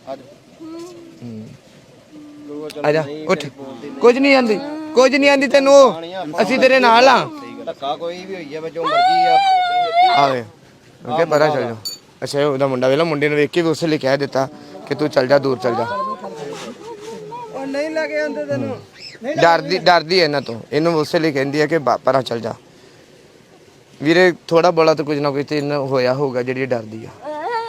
[SPEAKER 1] ਆਜਾ ਉੱਠ, ਕੁਝ ਨਹੀਂ ਆਂਦੀ, ਕੁਝ ਨਹੀਂ ਆਂਦੀ ਤੈਨੂੰ, ਅਸੀਂ ਤੇਰੇ ਨਾਲ ਆ।
[SPEAKER 3] ਧੱਕਾ ਕੋਈ ਵੀ ਹੋਈ ਆ, ਜੋ ਮਰਜ਼ੀ ਆ
[SPEAKER 1] ਆਵੇ ਓਕੇ ਪਰਾਂ ਚੱਲ ਜਾ। ਅੱਛਾ ਉਹਦਾ ਮੁੰਡਾ ਵੇਲਾ, ਮੁੰਡੇ ਨੂੰ ਵੇਖ ਕੇ ਵੀ ਉਸੇ ਲਈ ਕਹਿ ਦਿੱਤਾ ਕਿ ਤੂੰ ਚੱਲ ਜਾ, ਦੂਰ ਚੱਲ ਜਾ।
[SPEAKER 3] ਉਹ ਨਹੀਂ ਲੈ ਕੇ ਆਂਦੇ ਤੈਨੂੰ,
[SPEAKER 1] ਡਰਦੀ ਹੈ ਇਹਨਾਂ ਤੋਂ, ਇਹਨੂੰ ਉਸੇ ਲਈ ਕਹਿੰਦੀ ਹੈ ਕਿ ਪਰਾਂ ਚੱਲ ਜਾ। ਵੀਰੇ ਥੋੜਾ ਬੋਲਾ ਤਾਂ ਕੁਝ ਨਾ ਕੁਝ ਤੇ ਇਹਨਾਂ ਹੋਇਆ ਹੋਊਗਾ ਜਿਹੜੀ ਡਰਦੀ ਆ।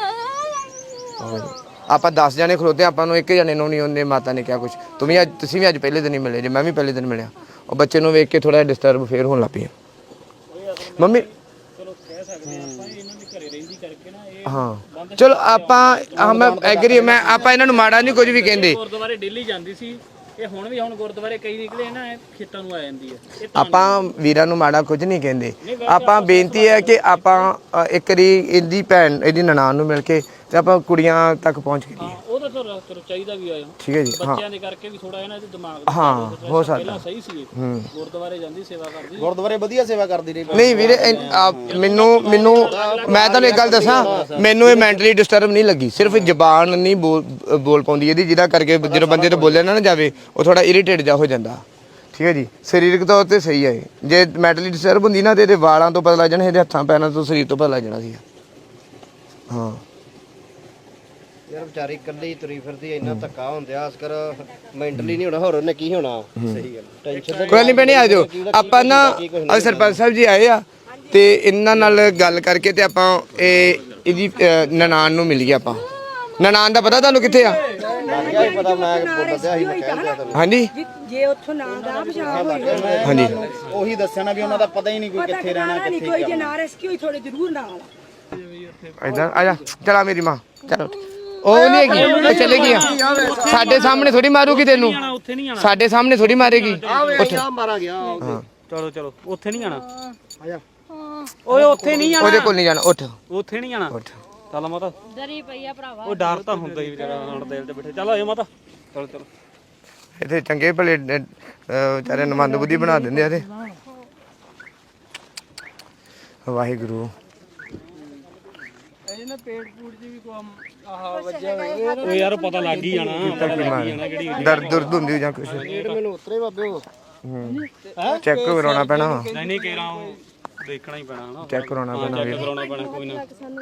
[SPEAKER 1] ਆਪਾਂ 10 ਜਣੇ ਖਲੋਤੇ, ਆਪਾਂ ਨੂੰ ਇੱਕ ਜਣੇ ਨੂੰ ਨਹੀਂ ਉਹਨੇ ਮਾਤਾ ਨੇ ਕਿਹਾ ਕੁਝ। ਤੁਸੀਂ ਵੀ ਅੱਜ ਪਹਿਲੇ ਦਿਨ ਹੀ ਮਿਲੇ ਜੇ, ਮੈਂ ਵੀ ਪਹਿਲੇ ਦਿਨ ਮਿਲਿਆ। ਉਹ ਬੱਚੇ ਨੂੰ ਵੇਖ ਕੇ ਥੋੜਾ ਡਿਸਟਰਬ ਫੇਰ ਹੋਣ ਲੱਗ ਪਈ ਮੰਮੀ। ਹਾਂ ਚਲੋ ਆਪਾਂ ਮੈਂ ਐਗਰੀ, ਮੈਂ ਆਪਾਂ ਇਹਨਾਂ ਨੂੰ ਮਾੜਾ ਨਹੀਂ ਕੁਝ ਵੀ ਕਹਿੰਦੇ।
[SPEAKER 4] ਗੁਰਦੁਆਰੇ ਡੇਲੀ ਜਾਂਦੀ ਸੀ, ਇਹ ਹੁਣ ਵੀ, ਹੁਣ ਗੁਰਦੁਆਰੇ ਕਈ ਨਿਕਲੇ ਨਾ, ਖੇਤਾਂ ਨੂੰ ਆ ਜਾਂਦੀ ਹੈ।
[SPEAKER 1] ਆਪਾਂ ਵੀਰਾਂ ਨੂੰ ਮਾੜਾ ਕੁਝ ਨਹੀਂ ਕਹਿੰਦੇ। ਆਪਾਂ ਬੇਨਤੀ ਹੈ ਕਿ ਆਪਾਂ ਇੱਕ ਵਾਰੀ ਇਹਦੀ ਭੈਣ, ਇਹਦੀ ਨਨਾਣ ਨੂੰ ਮਿਲ ਕੇ ਤੇ ਆਪਾਂ ਕੁੜੀਆਂ ਤੱਕ ਪਹੁੰਚ ਗਏ।
[SPEAKER 4] ਉਹ ਤਾਂ ਤਾਂ ਚਾਹੀਦਾ ਵੀ ਆ
[SPEAKER 1] ਠੀਕ ਹੈ ਜੀ ਹਾਂ
[SPEAKER 4] ਬੱਚਿਆਂ ਦੇ ਕਰਕੇ ਵੀ ਥੋੜਾ ਇਹਨਾਂ ਦੇ ਦਿਮਾਗ
[SPEAKER 1] ਹਾਂ ਹੋ ਸਕਦਾ
[SPEAKER 4] ਸਹੀ ਸੀ ਗੁਰਦੁਆਰੇ ਜਾਂਦੀ ਸੇਵਾ ਕਰਦੀ
[SPEAKER 8] ਗੁਰਦੁਆਰੇ ਵਧੀਆ ਸੇਵਾ ਕਰਦੀ ਰਹੀ
[SPEAKER 1] ਨਹੀਂ ਵੀਰੇ ਮੈਨੂੰ ਮੈਂ ਤੁਹਾਨੂੰ ਇੱਕ ਗੱਲ ਦੱਸਾਂ ਮੈਨੂੰ ਇਹ ਮੈਂਟਲੀ ਡਿਸਟਰਬ ਨਹੀਂ ਲੱਗੀ ਸਿਰਫ ਜ਼ਬਾਨ ਨਹੀਂ ਬੋਲ ਪਾਉਂਦੀ ਇਹਦੀ ਜਿਹਦਾ ਕਰਕੇ ਜਦੋਂ ਬੰਦੇ ਤੋਂ ਬੋਲਿਆ ਨਾ ਜਾਵੇ ਉਹ ਥੋੜਾ ਇਰੀਟੇਟ ਜਾ ਹੋ ਜਾਂਦਾ ਠੀਕ ਹੈ ਜੀ ਸਰੀਰਕ ਤੌਰ ਤੇ ਸਹੀ ਹੈ ਜੇ ਮੈਂਟਲੀ ਡਿਸਟਰਬ ਹੁੰਦੀ ਨਾ ਤੇ ਇਹਦੇ ਵਾਲਾਂ ਤੋਂ ਪਤਾ ਲੱਗ ਜਾਣਾ ਇਹਦੇ ਹੱਥਾਂ ਪੈਰਾਂ ਤੋਂ ਸਰੀਰ ਤੋਂ ਪਤਾ ਲੱਗ ਜਾਣਾ ਸੀ ਹਾਂ
[SPEAKER 3] ਯਾਰ ਵਿਚਾਰੀ ਇਕੱਲੀ ਤੁਰੀ ਫਿਰਦੀ ਇੰਨਾ ਧੱਕਾ ਹੁੰਦਿਆ ਅਸਕਰ ਮੈਂਟਲੀ ਨਹੀਂ ਹੋਣਾ ਹੋਰ ਉਹਨੇ ਕੀ ਹੋਣਾ ਸਹੀ ਗੱਲ ਟੈਨਸ਼ਨ
[SPEAKER 1] ਕੋਈ ਨਹੀਂ ਭੈਣੇ ਆ ਜਾਓ ਆਪਾਂ ਨਾ ਅੱਜ ਸਰਪੰਚ ਸਾਹਿਬ ਜੀ ਆਏ ਆ ਤੇ ਇਹਨਾਂ ਨਾਲ ਗੱਲ ਕਰਕੇ ਤੇ ਆਪਾਂ ਇਹਦੀ ਨਨਾਣ ਨੂੰ ਮਿਲ ਗਏ ਆਪਾਂ ਨਨਾਣ ਦਾ ਪਤਾ ਤੁਹਾਨੂੰ ਕਿੱਥੇ ਆ
[SPEAKER 3] ਪਤਾ ਮੈਂ ਬੋਲਦਿਆ ਸੀ ਮੈਂ ਕਹਿੰਦਾ ਤੁਹਾਨੂੰ
[SPEAKER 1] ਹਾਂਜੀ
[SPEAKER 2] ਜੇ ਉੱਥੋਂ ਨਾ ਦਾ ਪਛਾਣ ਹੋਈ
[SPEAKER 1] ਹਾਂਜੀ
[SPEAKER 8] ਉਹੀ ਦੱਸਿਆ ਨਾ ਵੀ ਉਹਨਾਂ ਦਾ ਪਤਾ ਹੀ ਨਹੀਂ ਕੋਈ ਕਿੱਥੇ ਰਹਿਣਾ
[SPEAKER 2] ਨਹੀਂ ਕੋਈ ਜੇ ਨਾ ਰੈਸਕਿਊ ਥੋੜੇ ਜ਼ਰੂਰ ਨਾਲ
[SPEAKER 1] ਇਦਾਂ ਆ ਜਾ ਚਲਾ ਮੇਰੀ ਮਾਂ ਚਲੋ ਉਹ ਨਹੀਂ ਹੈਗੀ ਉਹ ਚਲੇ ਗਈ ਆ ਸਾਡੇ ਸਾਹਮਣੇ ਥੋੜੀ ਮਾਰੂਗੀ ਤੈਨੂੰ
[SPEAKER 4] ਉੱਥੇ ਨਹੀਂ ਆਣਾ
[SPEAKER 1] ਸਾਡੇ ਸਾਹਮਣੇ ਥੋੜੀ ਮਾਰੇਗੀ
[SPEAKER 3] ਮਾਰਾ ਗਿਆ
[SPEAKER 1] ਹਾਂ
[SPEAKER 4] ਚਲੋ ਉੱਥੇ ਨਹੀਂ ਆਣਾ ਆਜਾ ਓਏ ਉੱਥੇ ਨਹੀਂ ਆਣਾ
[SPEAKER 1] ਉਹਦੇ ਕੋਲ ਨਹੀਂ ਜਾਣਾ ਉੱਠ
[SPEAKER 4] ਉੱਥੇ ਨਹੀਂ ਆਣਾ
[SPEAKER 1] ਉੱਠ
[SPEAKER 4] ਚੱਲ ਮਾਤਾ
[SPEAKER 9] ਡਰੀ ਪਈ ਆ ਭਰਾਵਾ
[SPEAKER 4] ਉਹ ਡਰ ਤਾਂ ਹੁੰਦਾ ਹੀ ਵਿਚਾਰਾ ਹੁਣ ਦਿਲ ਤੇ ਬੈਠੇ ਚੱਲ ਆਜੋ ਮਾਤਾ ਚਲੋ
[SPEAKER 1] ਇੱਥੇ ਚੰਗੇ ਭਲੇ ਵਿਚਾਰੇ ਨਮੰਦ ਬੁੱਧੀ ਬਣਾ ਦਿੰਦੇ ਆ ਤੇ ਵਾਹਿਗੁਰੂ
[SPEAKER 4] ਇਹਨਾਂ ਪੇਟ ਪੂੜ ਜੀ ਵੀ ਕੋ ਆਹ ਵੱਜਿਆ ਹੋਇਆ ਉਹ ਯਾਰ ਪਤਾ ਲੱਗ ਹੀ ਜਾਣਾ
[SPEAKER 1] ਦਰਦ ਦੁਰਦ ਹੁੰਦੀ ਜਾਂ ਕੁਛ
[SPEAKER 3] ਮੈਨੂੰ ਉਤਰੇ ਬਾਬੇ ਉਹ
[SPEAKER 1] ਚੈੱਕ ਕਰਾਉਣਾ ਪੈਣਾ ਵਾ
[SPEAKER 4] ਨਹੀਂ ਕਹਿਣਾ ਉਹ ਦੇਖਣਾ ਹੀ ਪੈਣਾ ਹਨਾ
[SPEAKER 1] ਚੈੱਕ ਕਰਾਉਣਾ ਪੈਣਾ ਵੀਰ
[SPEAKER 4] ਕਰਾਉਣਾ ਪੈਣਾ ਕੋਈ ਨਾ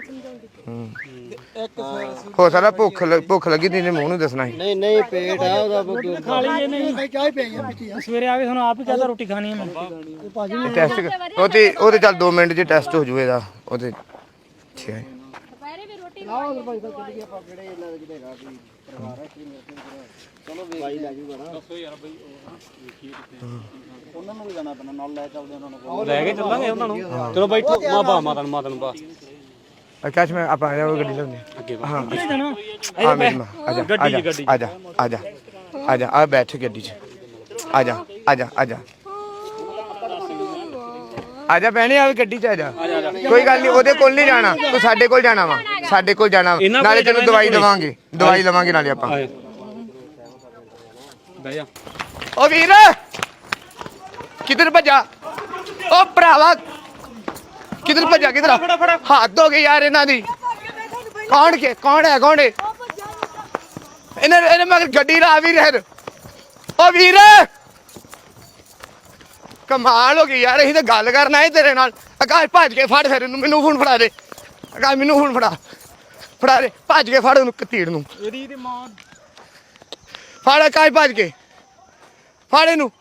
[SPEAKER 1] ਹੋ ਸਕਦਾ ਭੁੱਖ ਲੱਗੀ ਤੇ ਇਹਨੇ ਮੂੰਹ ਨੂੰ ਦੱਸਣਾ ਸੀ
[SPEAKER 3] ਨਹੀਂ ਪੇਟ ਆ ਉਹਦਾ
[SPEAKER 4] ਖਾ ਲਈਏ ਨਹੀਂ ਚਾਹ ਪਈ ਆ ਸਵੇਰੇ ਆ ਕੇ ਤੁਹਾਨੂੰ ਆਪ ਹੀ ਕਹਤਾ ਰੋਟੀ ਖਾਣੀ ਹੈ ਮੈਂ
[SPEAKER 1] ਟੈਸਟ ਉਹ ਤੇ ਚੱਲ 2 ਮਿੰਟ 'ਚ ਟੈਸਟ ਹੋ ਜੂ ਇਹਦਾ ਉਹਦੇ ਠੀਕ ਹੈ
[SPEAKER 9] ਦੁਪਹਿਰੇ ਵੀ ਰੋਟੀ
[SPEAKER 3] ਚਲੋ ਭਾਈ ਲੈ ਜੂਗਾ ਨਾ
[SPEAKER 8] ਉਹਨਾਂ ਨੂੰ ਵੀ ਜਾਣਾ ਪੈਣਾ ਨਾਲ ਲੈ ਚੱਲਦੇ ਉਹਨਾਂ ਨੂੰ
[SPEAKER 4] ਲੈ ਕੇ ਚੱਲਾਂਗੇ ਉਹਨਾਂ ਨੂੰ ਚਲੋ ਬੈਠੋ ਮਾਤਾ ਨੂੰ ਬਾ
[SPEAKER 1] ਆਕਾਸ਼ ਮੈਂ ਆਪਾਂ ਆ ਜਾ ਗੱਡੀ ਲਾਉਂਦੇ ਹਾਂ ਹਾਂ ਮੇਰੀ ਮਾਂ ਆ ਜਾ ਆ ਜਾ ਆ ਬੈਠ ਗੱਡੀ 'ਚ ਆ ਜਾ ਭੈਣੇ ਆ ਗੱਡੀ 'ਚ ਆ ਜਾ ਕੋਈ ਗੱਲ ਨਹੀਂ ਉਹਦੇ ਕੋਲ ਨਹੀਂ ਜਾਣਾ ਤੂੰ ਸਾਡੇ ਕੋਲ ਜਾਣਾ ਵਾ ਸਾਡੇ ਕੋਲ ਜਾਣਾ ਨਾਲੇ ਤੈਨੂੰ ਦਵਾਈ ਲਵਾਂਗੇ ਨਾਲੇ ਆਪਾਂ
[SPEAKER 4] ਬਹਿ ਜਾ
[SPEAKER 1] ਓ ਵੀਰ ਕਿੱਧਰ ਭੱਜਾ ਓ ਭਰਾਵਾ ਕਿੱਧਰ ਭੱਜਾ ਹੱਦ ਹੋ ਗਈ ਯਾਰ ਇਹਨਾਂ ਦੀ ਕੌਣ ਹੈ ਇਹਨੇ ਮਗਰ ਗੱਡੀ ਲਾ ਵੀ ਰਹਿ ਓ ਵੀਰ ਕਮਾਲ ਹੋ ਗਈ ਯਾਰ ਅਸੀਂ ਤਾਂ ਗੱਲ ਕਰਨਾ ਹੈ ਤੇਰੇ ਨਾਲ ਆਕਾਸ਼ ਭੱਜ ਕੇ ਫੜ ਫਿਰ ਇਹਨੂੰ ਮੈਨੂੰ ਫੋਨ ਫੜਾ ਦੇ ਆਕਾਸ਼ ਮੈਨੂੰ ਫੋਨ ਫੜਾ ਦੇ ਭੱਜ ਕੇ ਫੜ ਉਹਨੂੰ ਕਤੀੜ ਨੂੰ
[SPEAKER 4] ਇਹਦੀ ਤੇ ਮਾਂ
[SPEAKER 1] ਫੜ ਆਕਾਸ਼ ਭੱਜ ਕੇ ਫੜ ਇਹਨੂੰ